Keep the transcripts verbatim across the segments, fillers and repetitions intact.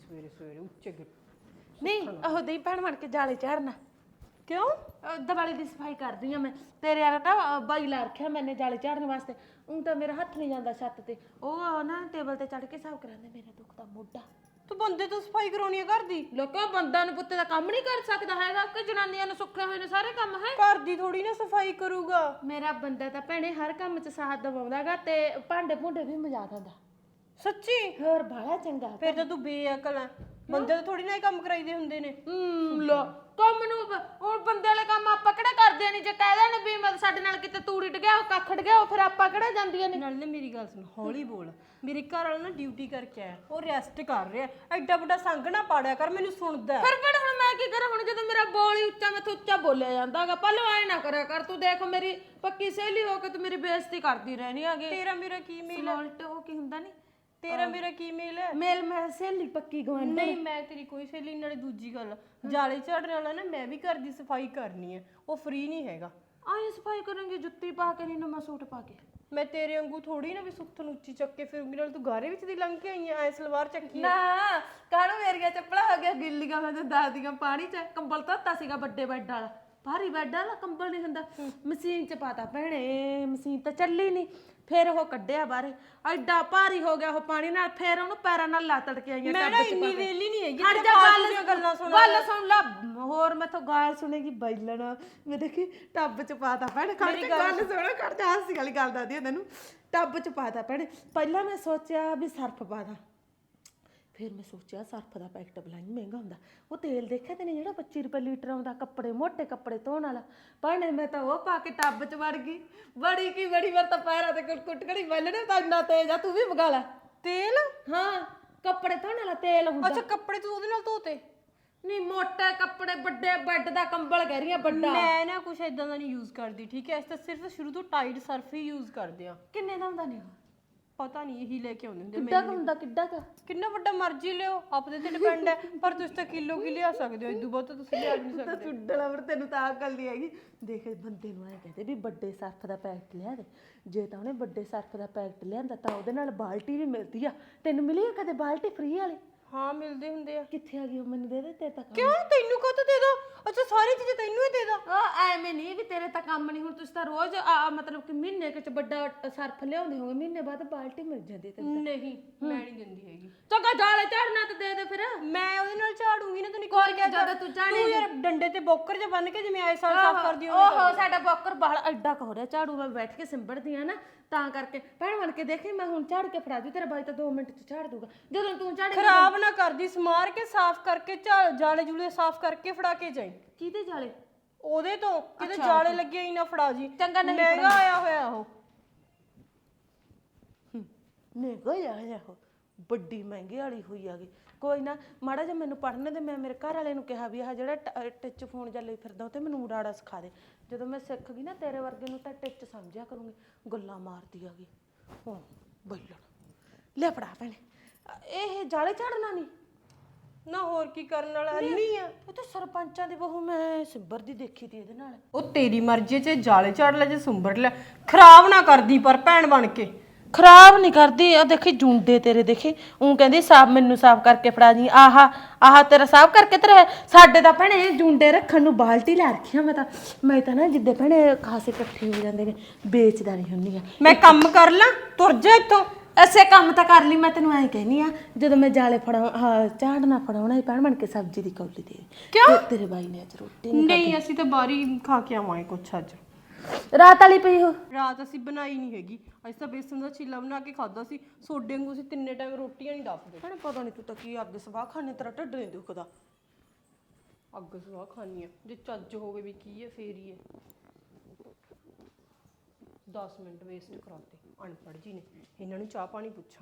ਸਵੇਰੇ ਸਵੇਰੇ ਉੱਚੇ ਗਿ ਨਹੀਂ ਉਹ ਦਈ ਭੈਣ ਬਣ ਕੇ ਜਾਲੇ ਝਾੜਨਾ ਕਿਉਂ ਦੀਵਾਲੀ ਦੀ ਸਫਾਈ ਕਰਦੀ ਆ ਮੈਂ ਤੇਰੇ ਵਾਲਾ ਤਾਂ ਬਾਈ ਲਾ ਰੱਖਿਆ ਮੈਨੇ ਜਾਲੇ ਝਾੜਨ ਵਾਸਤੇ ਉਹ ਤਾਂ ਮੇਰਾ ਹੱਥ ਨਹੀਂ ਜਾਂਦਾ ਛੱਤ ਤੇ ਉਹ ਨਾ ਟੇਬਲ ਤੇ ਚੜ ਕੇ ਸਾਫ਼ ਕਰਾਂਦੇ ਮੇਰਾ ਦੁੱਖ ਦਾ ਮੋਢਾ ਤੂੰ ਬੰਦੇ ਤੋਂ ਸਫਾਈ ਕਰਾਉਣੀ ਆ ਘਰ ਦੀ ਲੋਕਾਂ ਬੰਦਾ ਨੂੰ ਪੁੱਤੇ ਦਾ ਕੰਮ ਨਹੀਂ ਕਰ ਸਕਦਾ ਹੈਗਾ ਕਿ ਜਨਾਨੀਆਂ ਨੂੰ ਸੁੱਖੇ ਹੋਏ ਨੇ ਸਾਰੇ ਕੰਮ ਹੈ ਘਰ ਦੀ ਥੋੜੀ ਨਾ ਸਫਾਈ ਕਰੂਗਾ ਮੇਰਾ ਬੰਦਾ ਤਾਂ ਭੈਣੇ ਹਰ ਕੰਮ 'ਚ ਸਾਥ ਦਵਾਉਂਦਾਗਾ ਤੇ ਭਾਂਡੇ ਭੁੰਡੇ ਵੀ ਮਜਾ ਦਿੰਦਾ ਸੱਚੀ ਹੋਰ ਬਾਲਾ ਚੰਗਾ ਫਿਰ ਤਾਂ ਤੂੰ ਬੇਅਕਲ ਆ ਬੰਦੇ ਤੋਂ ਥੋੜੀ ਨਾ ਇਹ ਕੰਮ ਕਰਾਈਦੇ ਹੁੰਦੇ ਨੇ ਹੂੰ ਲੋ ਕੰਮ ਨੂੰ ਹੁਣ ਬੰਦੇ ਵਾਲੇ ਕੰਮ ਆਪਾਂ ਕਿਹੜਾ ਕਰਦੇ ਨਹੀਂ ਜੇ ਕਹਿ ਦੇਣ ਵੀ ਮੈਂ ਸਾਡੇ ਨਾਲ ਕਿਤੇ ਤੂੜੀ ਡਿਆ ਉਹ ਕੱਖੜ ਗਿਆ ਉਹ ਫਿਰ ਆਪਾਂ ਕਿਹੜਾ ਜਾਂਦੀਆਂ ਨੇ ਨਾਲ ਨਾ ਮੇਰੀ ਗੱਲ ਸੁਣ ਹੌਲੀ ਬੋਲ ਮੇਰੇ ਘਰ ਵਾਲਾ ਨਾ ਡਿਊਟੀ ਕਰਕੇ ਆਇਆ ਉਹ ਰੈਸਟ ਕਰ ਰਿਹਾ ਐਡਾ ਵੱਡਾ ਸੰਗ ਨਾ ਪਾੜਿਆ ਕਰ ਮੈਨੂੰ ਸੁਣਦਾ ਫਿਰ ਫਿਰ ਹੁਣ ਮੈਂ ਕੀ ਕਰਾਂ ਹੁਣ ਜਦੋਂ ਮੇਰਾ ਬੋਲ ਹੀ ਉੱਚਾ ਮੈਥੋਂ ਉੱਚਾ ਬੋਲਿਆ ਜਾਂਦਾਗਾ ਪਹਿਲਾਂ ਐ ਨਾ ਕਰਿਆ ਕਰ ਤੂੰ ਦੇਖ ਮੇਰੀ ਪੱਕੀ ਸਹੇਲੀ ਹੋ ਕੇ ਤੂੰ ਮੇਰੀ ਬੇਇੱਜ਼ਤੀ ਕਰਦੀ ਰਹਿਣੀ ਹੈਗੀ ਤੇਰਾ ਮੇਰਾ ਕੀ ਮੇਲ ਉਲਟ ਉਹ ਕੀ ਹੁੰਦਾ ਨਹੀਂ ਤੇਰਾ ਮੇਰਾ ਕੀ ਮੇਲ ਹੈ ਮੇਲ ਮੈਂ ਸਹੇਲੀ ਪੱਕੀ ਗਵਾਂਢੀ ਨਹੀਂ ਮੈਂ ਤੇਰੀ ਕੋਈ ਸਹੇਲੀ ਨਾਲੇ ਦੂਜੀ ਗੱਲ ਜਾਲੇ ਝਾੜਨ ਵਾਲਾ ਨਾ ਮੈਂ ਵੀ ਘਰ ਦੀ ਸਫਾਈ ਕਰਨੀ ਹੈ ਉਹ ਫ੍ਰੀ ਨਹੀਂ ਹੈਗਾ ਆਏ ਸਫਾਈ ਕਰਾਂਗੇ ਜੁੱਤੀ ਪਾ ਕੇ ਨਹੀਂ ਨਵਾਂ ਸੂਟ ਪਾ ਕੇ ਮੈਂ ਤੇਰੇ ਵਾਂਗੂ ਥੋੜੀ ਨਾ ਵੀ ਸੁੱਥ ਨੂੰ ਉੱਚੀ ਚੱਕ ਕੇ ਫਿਰੂੰਗੀ ਨਾਲ ਤੂੰ ਗਾਰੇ ਵਿੱਚ ਦੀ ਲੰਘ ਕੇ ਆਈ ਐ ਸਲਵਾਰ ਚੱਕੀ ਨਾ ਕਾਹਨੂੰ ਮੇਰੀਆਂ ਚੱਪਲਾਂ ਹੋ ਗਿਆ ਗਿੱਲੀਆਂ ਮੈਂ ਤਾਂ ਦਾਦੀਆਂ ਪਾਣੀ ਚ ਕੰਬਲ ਧੋਤਾ ਸੀਗਾ ਵੱਡੇ ਬੈੱਡ ਵਾਲਾ ਭਾਰੀ ਬੈੱਡ ਵਾਲਾ ਕੰਬਲ ਨਹੀਂ ਹੁੰਦਾ ਮਸ਼ੀਨ ਚ ਪਾਤਾ ਭੈਣੇ ਮਸ਼ੀਨ ਤਾਂ ਚੱਲੀ ਨਹੀਂ ਫਿਰ ਉਹ ਕੱਢਿਆ ਬਾਹਰ ਐਡਾ ਭਾਰੀ ਹੋ ਗਿਆ ਉਹ ਪਾਣੀ ਨਾਲ ਫਿਰ ਉਹਨੂੰ ਪੈਰਾਂ ਨਾਲ ਲਾ ਤੜ ਕੇ ਆਈਆਂ ਮੈਂ ਨਾ ਇੰਨੀ ਵੇਲੀ ਨਹੀਂ ਹੈਗੀ ਹਟ ਜਾ ਗੱਲ ਗੱਲਾਂ ਸੁਣ ਗੱਲ ਸੁਣ ਲਾ ਹੋਰ ਮੈਥੋਂ ਗਾਲ ਸੁਣੇਗੀ ਬੈਲਣਾ ਮੈਂ ਦੇਖੀ ਟੱਬ ਚ ਪਾਤਾ ਭੈਣੇ ਖੜ ਕੇ ਗੱਲ ਸੁਣ ਖੜ ਜਾ ਹਾਸੀ ਵਾਲੀ ਗੱਲ ਦੱਸਦੀ ਆ ਤੈਨੂੰ ਟੱਬ ਚ ਪਾਤਾ ਭੈਣੇ ਪਹਿਲਾਂ ਮੈਂ ਸੋਚਿਆ ਵੀ ਸਰਫ ਪਾ ਦਾਂ ਫਿਰ ਮੈਂ ਸੋਚਿਆ ਸਰਫ ਦਾ ਪੈਕਟ ਬਲਾਈ ਮਹਿੰਗਾ ਹੁੰਦਾ ਉਹ ਤੇਲ ਦੇਖਿਆ ਤੈਨੇ ਜਿਹੜਾ ਪੱਚੀ ਰੁਪਏ ਲੀਟਰ ਆਉਂਦਾ ਕੱਪੜੇ ਮੋਟੇ ਕੱਪੜੇ ਧੋਣ ਵਾਲਾ ਭੈਣੇ ਮੈਂ ਤਾਂ ਉਹ ਪਾ ਕੇ ਟੱਬ ਚ ਵੜ ਗਈ ਬੜੀ ਕੀ ਬੜੀ ਵਾਰ ਤਾਂ ਪੈਰਾਂ ਤੇ ਕੁੱਟ ਘੜੀ ਬੈਲਣੇ ਤਾਂ ਇੰਨਾ ਤੇਜ਼ ਆ ਤੂੰ ਵੀ ਮੰਗਾ ਲੈ ਤੇਲ ਹਾਂ ਕੱਪੜੇ ਧੋਣ ਵਾਲਾ ਤੇਲ ਹੁੰਦਾ ਅੱਛਾ ਕੱਪੜੇ ਤੂੰ ਉਹਦੇ ਨਾਲ ਧੋਤੇ ਨਹੀਂ ਮੋਟੇ ਕੱਪੜੇ ਵੱਡੇ ਬੈੱਡ ਦਾ ਕੰਬਲ ਕਹਿ ਰਹੀ ਆ ਵੱਡਾ ਮੈਂ ਨਾ ਕੁਛ ਇਦਾਂ ਦਾ ਨਹੀਂ ਯੂਜ਼ ਕਰਦੀ ਠੀਕ ਹੈ ਇਸ ਤਾਂ ਸਿਰਫ ਸ਼ੁਰੂ ਤੋਂ ਟਾਈਡ ਸਰਫ ਹੀ ਯੂਜ਼ ਕਰਦੇ ਆ ਕਿੰਨੇ ਦਾ ਹੁੰਦਾ ਨਹੀਂ ਪਤਾ ਨਹੀਂ ਇਹੀ ਲੈ ਕੇ ਆਉਂਦੇ ਹੁੰਦੇ ਕਿੱਡਾ ਕੁ ਹੁੰਦਾ ਕਿੱਡਾ ਕੁ ਕਿੰਨਾ ਵੱਡਾ ਮਰਜ਼ੀ ਲਿਓ ਆਪਦੇ ਤੇ ਡਿਪੈਂਡ ਹੈ ਪਰ ਤੁਸੀਂ ਤਾਂ ਕਿਲੋ ਕੀ ਲਿਆ ਸਕਦੇ ਹੋ ਇਦੋਂ ਬਹੁਤ ਤੁਸੀਂ ਲਿਆ ਨਹੀਂ ਸਕਦੇ ਸੁੱਡਲਾ ਪਰ ਤੈਨੂੰ ਤਾਂ ਅਕਲ ਨਹੀਂ ਹੈਗੀ ਦੇਖ ਬੰਦੇ ਨੂੰ ਐ ਕਹਿੰਦੇ ਵੀ ਵੱਡੇ ਸਰਫ ਦਾ ਪੈਕਟ ਲਿਆ ਦੇ ਜੇ ਤਾਂ ਉਹਨੇ ਵੱਡੇ ਸਰਫ ਦਾ ਪੈਕਟ ਲਿਆਂਦਾ ਤਾਂ ਉਹਦੇ ਨਾਲ ਬਾਲਟੀ ਵੀ ਮਿਲਦੀ ਆ ਤੈਨੂੰ ਮਿਲੀ ਆ ਕਦੇ ਬਾਲਟੀ ਫ੍ਰੀ ਵਾਲੀ ਹਾਂ ਮਿਲਦੇ ਹੁੰਦੇ ਆ ਕਿੱਥੇ ਆ ਗਈ ਉਹ ਮੈਨੂੰ ਦੇ ਦੇ ਤੇ ਤੱਕ ਕਿਉਂ ਤੈਨੂੰ ਕਦੋਂ ਦੇ ਦੋ ਅੱਛਾ ਸਾਰੀ ਚੀਜ਼ਾਂ ਤੈਨੂੰ ਹੀ ਦੇ ਦਾਂ ਉਹ ਐਵੇਂ ਨਹੀਂ ਵੀ ਤੇਰੇ ਤਾਂ ਕੰਮ ਨਹੀਂ ਹੁਣ ਤੁਸੀਂ ਤਾਂ ਰੋਜ਼ ਮਤਲਬ ਕਿ ਮਹੀਨੇ ਚ ਵੱਡਾ ਸਰਫ ਲਿਆਉਂਦੇ ਹੋਗੇ ਮਹੀਨੇ ਬਾਅਦ ਬਾਲਟੀ ਮਿਲ ਜਾਂਦੀ ਤੇ ਨਹੀਂ ਮੈਂ ਨਹੀਂ ਦਿੰਦੀ ਹੈਗੀ ਚੰਗਾ ਜਾਲੇ ਝਾੜਨਾ ਤੇ ਦੇ ਦੇ ਫਿਰ ਮੈਂ ਉਹਦੇ ਨਾਲ ਝਾੜੂਗੀ ਨਾ ਤੈਨੂੰ ਕੋਈ ਨਹੀਂ ਜਦੋਂ ਤੂੰ ਝਾੜੀ ਤੂੰ ਯਾਰ ਡੰਡੇ ਤੇ ਬੋਕਰ ਜਿਹਾ ਬੰਨ ਕੇ ਜਿਵੇਂ ਆਏ ਸਾਲ ਸਾਫ਼ ਕਰਦੀ ਹੋ ਓਹੋ ਸਾਡਾ ਬੋਕਰ ਬਾਲ ਐਡਾ ਕ ਹੋ ਰਿਹਾ ਝਾੜੂ ਮੈਂ ਬੈਠ ਕੇ ਸਿੰਬੜਦੀ ਆ ਨਾ ਤਾਂ ਕਰਕੇ ਭੈਣ ਬਣ ਕੇ ਦੇਖੀ ਮੈਂ ਹੁਣ ਝਾੜ ਕੇ ਫੜਾ ਦੂ ਤੇਰਾ ਬਾਈ ਤਾਂ ਦੋ ਮਿੰਟ ਚ ਝਾੜ ਦੂਗਾ ਜਦੋਂ ਤੂੰ ਝਾੜੇ ਖਰਾਬ ਨਾ ਕਰਦੀ ਸਮਾਰ ਕੇ ਸਾਫ਼ ਕਰਕੇ ਜਾਲੇ ਜੂਲੇ ਸਾਫ਼ ਕਰਕੇ ਫੜਾ ਕੇ ਜਾਈ ਕਿਹਦੇ ਜਾਲੇ ਉਹਦੇ ਤੋਂ ਕਿਤੇ ਜਾਲੇ ਲੱਗੇ ਹੀ ਨਾ ਫੜਾ ਜੀ ਚੰਗਾ ਨਹੀਂ ਮਹਿੰਗਾ ਆਇਆ ਹੋਇਆ ਉਹ ਮਹਿੰਗਾ ਆਇਆ ਉਹ ਵੱਡੀ ਮਹਿੰਗੇ ਵਾਲੀ ਹੋਈ ਆ ਗਈ ਕੋਈ ਨਾ ਮਾੜਾ ਜਿਹਾ ਮੈਨੂੰ ਪੜ੍ਹਨੇ ਦੇ ਮੈਂ ਮੇਰੇ ਘਰ ਵਾਲੇ ਨੂੰ ਕਿਹਾ ਵੀ ਆਹ ਜਿਹੜਾ ਟਿੱਚ ਫੋਨ ਜਾਂ ਲਈ ਫਿਰਦਾ ਉਹ ਤੇ ਮੈਨੂੰ ਉਡਾੜਾ ਸਿਖਾ ਦੇ ਜਦੋਂ ਮੈਂ ਸਿੱਖ ਗਈ ਨਾ ਤੇਰੇ ਵਰਗੇ ਨੂੰ ਤਾਂ ਟਿੱਚ ਸਮਝਿਆ ਕਰੂੰਗੀ ਗੱਲਾਂ ਮਾਰਦੀ ਆ ਗਈ ਹੁਣ ਬੈਲਣ ਲੈ ਫੜਾ ਭੈਣੇ ਇਹ ਜਾਲੇ ਝਾੜਨਾ ਨਹੀਂ ਨਾ ਹੋਰ ਕੀ ਕਰਨ ਵਾਲਾ ਅੰਨੀ ਆ ਉਹ ਤਾਂ ਸਰਪੰਚਾਂ ਦੀ ਬਹੂ ਮੈਂ ਸਿੰਬਰ ਦੀ ਦੇਖੀ ਤੀ ਇਹਦੇ ਨਾਲ ਉਹ ਤੇਰੀ ਮਰਜ਼ੀ 'ਚ ਜਾਲੇ ਝਾੜ ਲੈ ਜੇ ਸੁੰਬਰ ਲੈ ਖਰਾਬ ਨਾ ਕਰਦੀ ਪਰ ਭੈਣ ਬਣ ਕੇ ਖਰਾਬ ਨਹੀਂ ਕਰਦੀ ਆ ਦੇਖੀ ਜੁੰਡੇ ਤੇਰੇ ਦੇਖੇ ਉਹ ਕਹਿੰਦੀ ਸਾਫ ਮੈਨੂੰ ਸਾਫ ਕਰਕੇ ਫੜਾ ਦੀ ਆਹਾ ਆਹ ਤੇਰਾ ਸਾਫ ਕਰਕੇ ਤੇਰੇ ਸਾਡੇ ਤਾਂ ਭੈਣੇ ਜੁੰਡੇ ਰੱਖਣ ਨੂੰ ਬਾਲਟੀ ਲੈ ਰੱਖੀਆਂ ਮੈਂ ਤਾਂ ਮੈਂ ਤਾਂ ਨਾ ਜਿੱਦੇ ਭੈਣੇ ਖਾਸੇ ਇਕੱਠੇ ਹੋ ਜਾਂਦੇ ਨੇ ਵੇਚਦਾ ਨਹੀਂ ਹੁੰਦੀ ਆ ਮੈਂ ਕੰਮ ਕਰ ਲਾਂ ਤੁਰ ਜਾ ਇੱਥੋਂ ਐਸੇ ਕੰਮ ਤਾਂ ਕਰ ਲਈ ਮੈਂ ਤੈਨੂੰ ਐਂ ਕਹਿਨੀ ਆ ਜਦੋਂ ਮੈਂ ਜਾਲੇ ਫੜਾ ਹਾਂ ਝਾੜਨਾ ਫੜਾਉਣਾ ਹੀ ਭੈਣ ਬਣ ਕੇ ਸਬਜ਼ੀ ਦੀ ਕੌਲੀ ਦੇ ਕਿਉਂ ਤੇਰੇ ਬਾਈ ਨੇ ਅੱਜ ਰੋਟੀ ਨਹੀਂ ਅਸੀਂ ਤਾਂ ਬਾਰੀ ਖਾ ਕੇ ਆਵਾਂਗੇ ਕੁਛ ਅੱਜ ਰਾਤ ਵਾਲੀ ਪਈ ਹੋ ਰਾਤ ਅਸੀਂ ਬਣਾਈ ਨਹੀਂ ਹੈਗੀ ਅਸੀਂ ਤਾਂ ਬੇਸਨ ਦਾ ਚੀਲਾ ਬਣਾ ਕੇ ਖਾਦਾ ਸੀ ਸੋਡੇ ਵਾਂਗੂ ਅਸੀਂ ਤਿੰਨੇ ਟਾਈਮ ਰੋਟੀਆਂ ਨਹੀਂ ਦੱਸਦੇ ਭੈਣੇ ਪਤਾ ਨਹੀਂ ਤੂੰ ਤਾਂ ਕੀ ਅੱਗ ਸਵਾਹ ਖਾਣੇ ਤੇਰਾ ਢਿੱਡ ਨਹੀਂ ਦੁਖਦਾ ਅੱਗ ਸਵਾਹ ਖਾਣੀ ਆ ਜੇ ਚੱਜ ਹੋਵੇ ਵੀ ਕੀ ਹੈ ਫੇਰ ਹੀ ਹੈ ਦਸ ਮਿੰਟ ਵੇਸਟ ਕਰਾਤੇ ਅਨਪੜ੍ਹ ਜੀ ਨੇ ਇਹਨਾਂ ਨੂੰ ਚਾਹ ਪਾਣੀ ਪੁੱਛਾਂ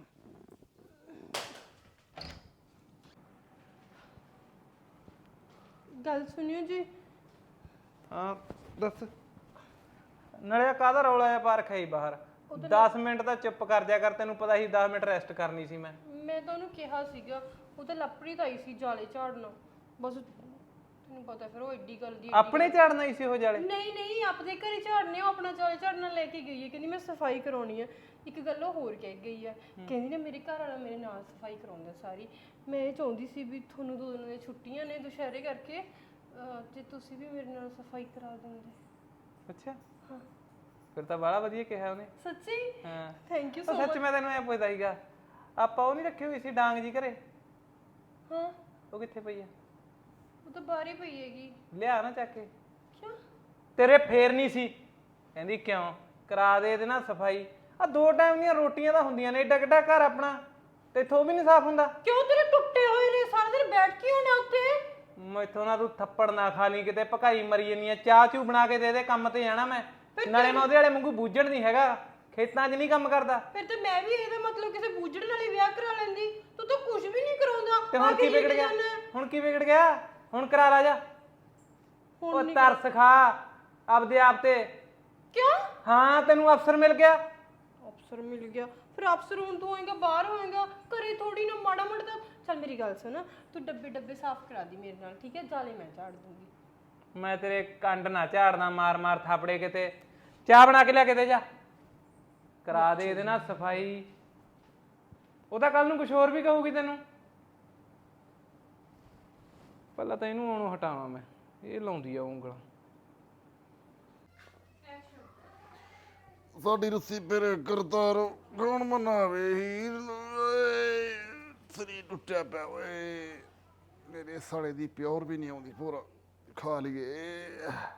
ਗੱਲ ਸੁਣਿਓ ਜੀ ਹਾਂ ਦੱਸ ਨਾਲੇ ਕਾਹਦਾ ਰੌਲਾ ਆ ਪਾਰਕ ਹੈ ਬਾਹਰ ਦਸ ਮਿੰਟ ਤਾਂ ਚੁੱਪ ਕਰ ਜਾ ਕਰ ਤੈਨੂੰ ਪਤਾ ਸੀ ਦਸ ਮਿੰਟ ਰੈਸਟ ਕਰਨੀ ਸੀ ਮੈਂ ਮੈਂ ਤਾਂ ਉਹਨੂੰ ਕਿਹਾ ਸੀਗਾ ਉਹ ਤਾਂ ਲੱਪੜੀ ਤਾਂ ਆਈ ਸੀ ਜਾਲੇ ਝਾੜਨਾ ਬਸ ਤੈਨੂੰ ਪਤਾ ਫਿਰ ਉਹ ਏਡੀ ਗੱਲ ਦੀ ਆਪਣੇ ਝਾੜਨਾ ਹੀ ਸੀ ਉਹ ਜਾਲੇ? ਨਹੀਂ ਨਹੀਂ ਆਪਦੇ ਘਰੇ ਝਾੜਨੇ ਉਹ ਆਪਣਾ ਜਾਲੇ ਝਾੜਨਾ ਲੈ ਕੇ ਗਈ ਹੈ ਕਹਿੰਦੀ ਮੈਂ ਸਫਾਈ ਕਰਾਉਣੀ ਆ। ਇੱਕ ਗੱਲ ਉਹ ਹੋਰ ਕਹਿ ਗਈ ਆ ਕਹਿੰਦੀ ਨਾ ਮੇਰੇ ਘਰ ਵਾਲਾ ਮੇਰੇ ਨਾਲ ਸਫਾਈ ਕਰਾਉਂਦਾ ਸਾਰੀ। ਮੈਂ ਇਹ ਚਾਹੁੰਦੀ ਸੀ ਵੀ ਤੁਹਾਨੂੰ ਦੋ ਦਿਨਾਂ ਦੀਆਂ ਛੁੱਟੀਆਂ ਨੇ ਦੁਸ਼ਹਿਰੇ ਕਰਕੇ ਤੇ ਤੁਸੀਂ ਵੀ ਮੇਰੇ ਨਾਲ ਸਫਾਈ ਕਰਾ ਦਿੰਦੇ। ਅੱਛਾ ਹਾਂ ਫਿਰ ਤਾਂ ਬੜਾ ਵਧੀਆ ਕਿਹਾ ਉਹਨੇ। ਸੱਚੀ? ਹਾਂ ਥੈਂਕ ਯੂ ਉਹ ਸੋ ਸੱਚ ਮੈਂ ਤੈਨੂੰ ਐ ਪੁੱਛਦਾ ਸੀਗਾ ਆਪਾਂ ਉਹ ਨਹੀਂ ਰੱਖੀ ਹੋਈ ਸੀ ਡਾਂਗ ਜੀ ਘਰੇ? ਹਾਂ ਉਹ ਕਿੱਥੇ ਪਈ ਆ? ਉਹ ਤਾਂ ਬਾਹਰ ਹੀ ਪਈ ਹੈਗੀ। ਲਿਆ ਨਾ ਚੱਕ ਕੇ। ਕਿਉਂ? ਤੇਰੇ ਫੇਰ ਨਹੀਂ ਸੀ ਕਹਿੰਦੀ ਕਿਉਂ ਕਰਾ ਦੇ ਇਹਦੇ ਨਾਲ ਸਫਾਈ। ਆ ਦੋ ਟਾਈਮ ਦੀਆਂ ਰੋਟੀਆਂ ਤਾਂ ਹੁੰਦੀਆਂ ਨੇ ਏਡਾ ਕਿੱਡਾ ਘਰ ਆਪਣਾ ਤੇ ਇਥੋਂ ਵੀ ਨਹੀਂ ਸਾਫ਼ ਹੁੰਦਾ? ਕਿਉਂ ਤੇਰੇ ਟੁੱਟੇ ਹੋਏ ਨੇ ਸਾਰਾ ਦਿਨ ਬੈਠ ਕੇ ਹੋਣਾ ਉੱਤੇ। ਮੈਥੋਂ ਨਾ ਤੂੰ ਥੱਪੜ ਨਾ ਖਾ ਲਈ ਕਿਤੇ ਭਕਾਈ ਮਰੀ ਜੰਨੀ ਆ। ਚਾਹ ਚੂ ਬਣਾ ਕੇ ਦੇ ਦੇ ਕੰਮ ਤੇ ਜਾਣਾ ਮੈਂ। ਨਾਲੇ ਮੈਂ ਉਹਦੇ ਵਾਲੇ ਵਾਂਗੂ ਬੂਝਣ ਨਹੀਂ ਹੈਗਾ ਖੇਤਾਂ 'ਚ ਨਹੀਂ ਕੰਮ ਕਰਦਾ। ਫਿਰ ਤੇ ਮੈਂ ਵੀ ਇਹਦਾ ਮਤਲਬ ਕਿਸੇ ਬੂਝੜ ਨਾਲ ਹੀ ਵਿਆਹ ਕਰਾ ਲੈਂਦੀ। ਤੂੰ ਤਾਂ ਕੁਝ ਵੀ ਨਹੀਂ ਕਰਾਉਂਦਾ। ਤੇ ਹੁਣ ਕੀ ਵਿਗੜ ਗਿਆ? ਹੁਣ ਕੀ ਵਿਗੜ ਗਿਆ? ਹੁਣ ਕਰਾ ਲਾ ਜਾ। ਉਹ ਤਰਸ ਖਾ ਆਪਦੇ ਆਪ ਤੇ। ਕਿਉਂ? ਹਾਂ ਤੈਨੂੰ ਅਫਸਰ ਮਿਲ ਗਿਆ। ਅਫਸਰ ਮਿਲ ਗਿਆ? ਫਿਰ ਅਫਸਰ ਹੁਣ ਤੂੰ ਹੋਏਗਾ ਬਾਹਰ ਹੋਏਗਾ ਘਰੇ ਥੋੜੀ ਨਾ ਮਾੜਾ ਮੋਟਾ ਤਾਂ। ਚੱਲ ਮੇਰੀ ਗੱਲ ਸੁਣ ਤੂੰ ਡੱਬੇ ਡੱਬੇ ਸਾਫ਼ ਕਰਾ ਦੀ ਮੇਰੇ ਨਾਲ ਠੀਕ ਹੈ? ਜਾਲੇ ਮੈਂ ਝਾੜ ਦੂੰਗੀ। ਮੈਂ ਤੇਰੇ ਕੰਡ ਨਾ ਝਾੜਨਾ ਮਾਰ ਮਾਰ ਥਾਪੜੇ ਕਿਤੇ। ਚਾਹ ਬਣਾ ਕੇ ਲਿਆ ਕੇ ਦੇ ਜਾ ਕਰਾ ਦੇ ਇਹਦੇ ਨਾਲ ਸਫਾਈ। ਉਹ ਤਾਂ ਕੱਲ ਨੂੰ ਕੁਝ ਹੋਰ ਵੀ ਕਹੂਗੀ ਤੈਨੂੰ। ਪਹਿਲਾਂ ਤਾਂ ਇਹਨੂੰ ਆਉਣੋਂ ਹਟਾਵਾਂ ਮੈਂ। ਇਹ ਲਾਉਂਦੀ ਆ ਉਂਗਲਾਂ। ਸਾਡੀ ਰੁੱਸੀ ਫਿਰ ਕਰਤਾਰ ਕੌਣ ਮਨਾਵੇ ਹੀਰ ਸਰੀ ਟੁੱਟਿਆ ਪਿਆ ਓਏ। ਮੇਰੇ ਸਾਲੇ ਦੀ ਪਿਓਰ ਵੀ ਨਹੀਂ ਆਉਂਦੀ ਪੂਰਾ ਖਾ ਲਈਏ।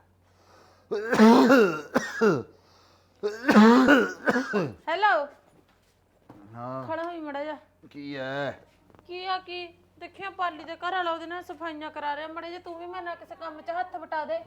ਹੈਲੋ ਹਾਂ ਖੜਾ ਹੋਈ ਮੜਾ ਜਾ। ਕੀ ਐ? ਕੀ ਆ ਕੀ ਦੇਖਿਆ ਪਾਲੀ ਦੇ ਘਰ ਵਾਲਾ ਉਹਦੇ ਨਾਲ ਸਫਾਈਆਂ ਕਰਾ ਰਿਹਾ ਮੜੇ ਜੇ। ਤੂੰ ਵੀ ਮੇਰੇ ਨਾਲ ਕਿਸੇ ਕੰਮ 'ਚ ਹੱਥ ਵਟਾ ਦੇ।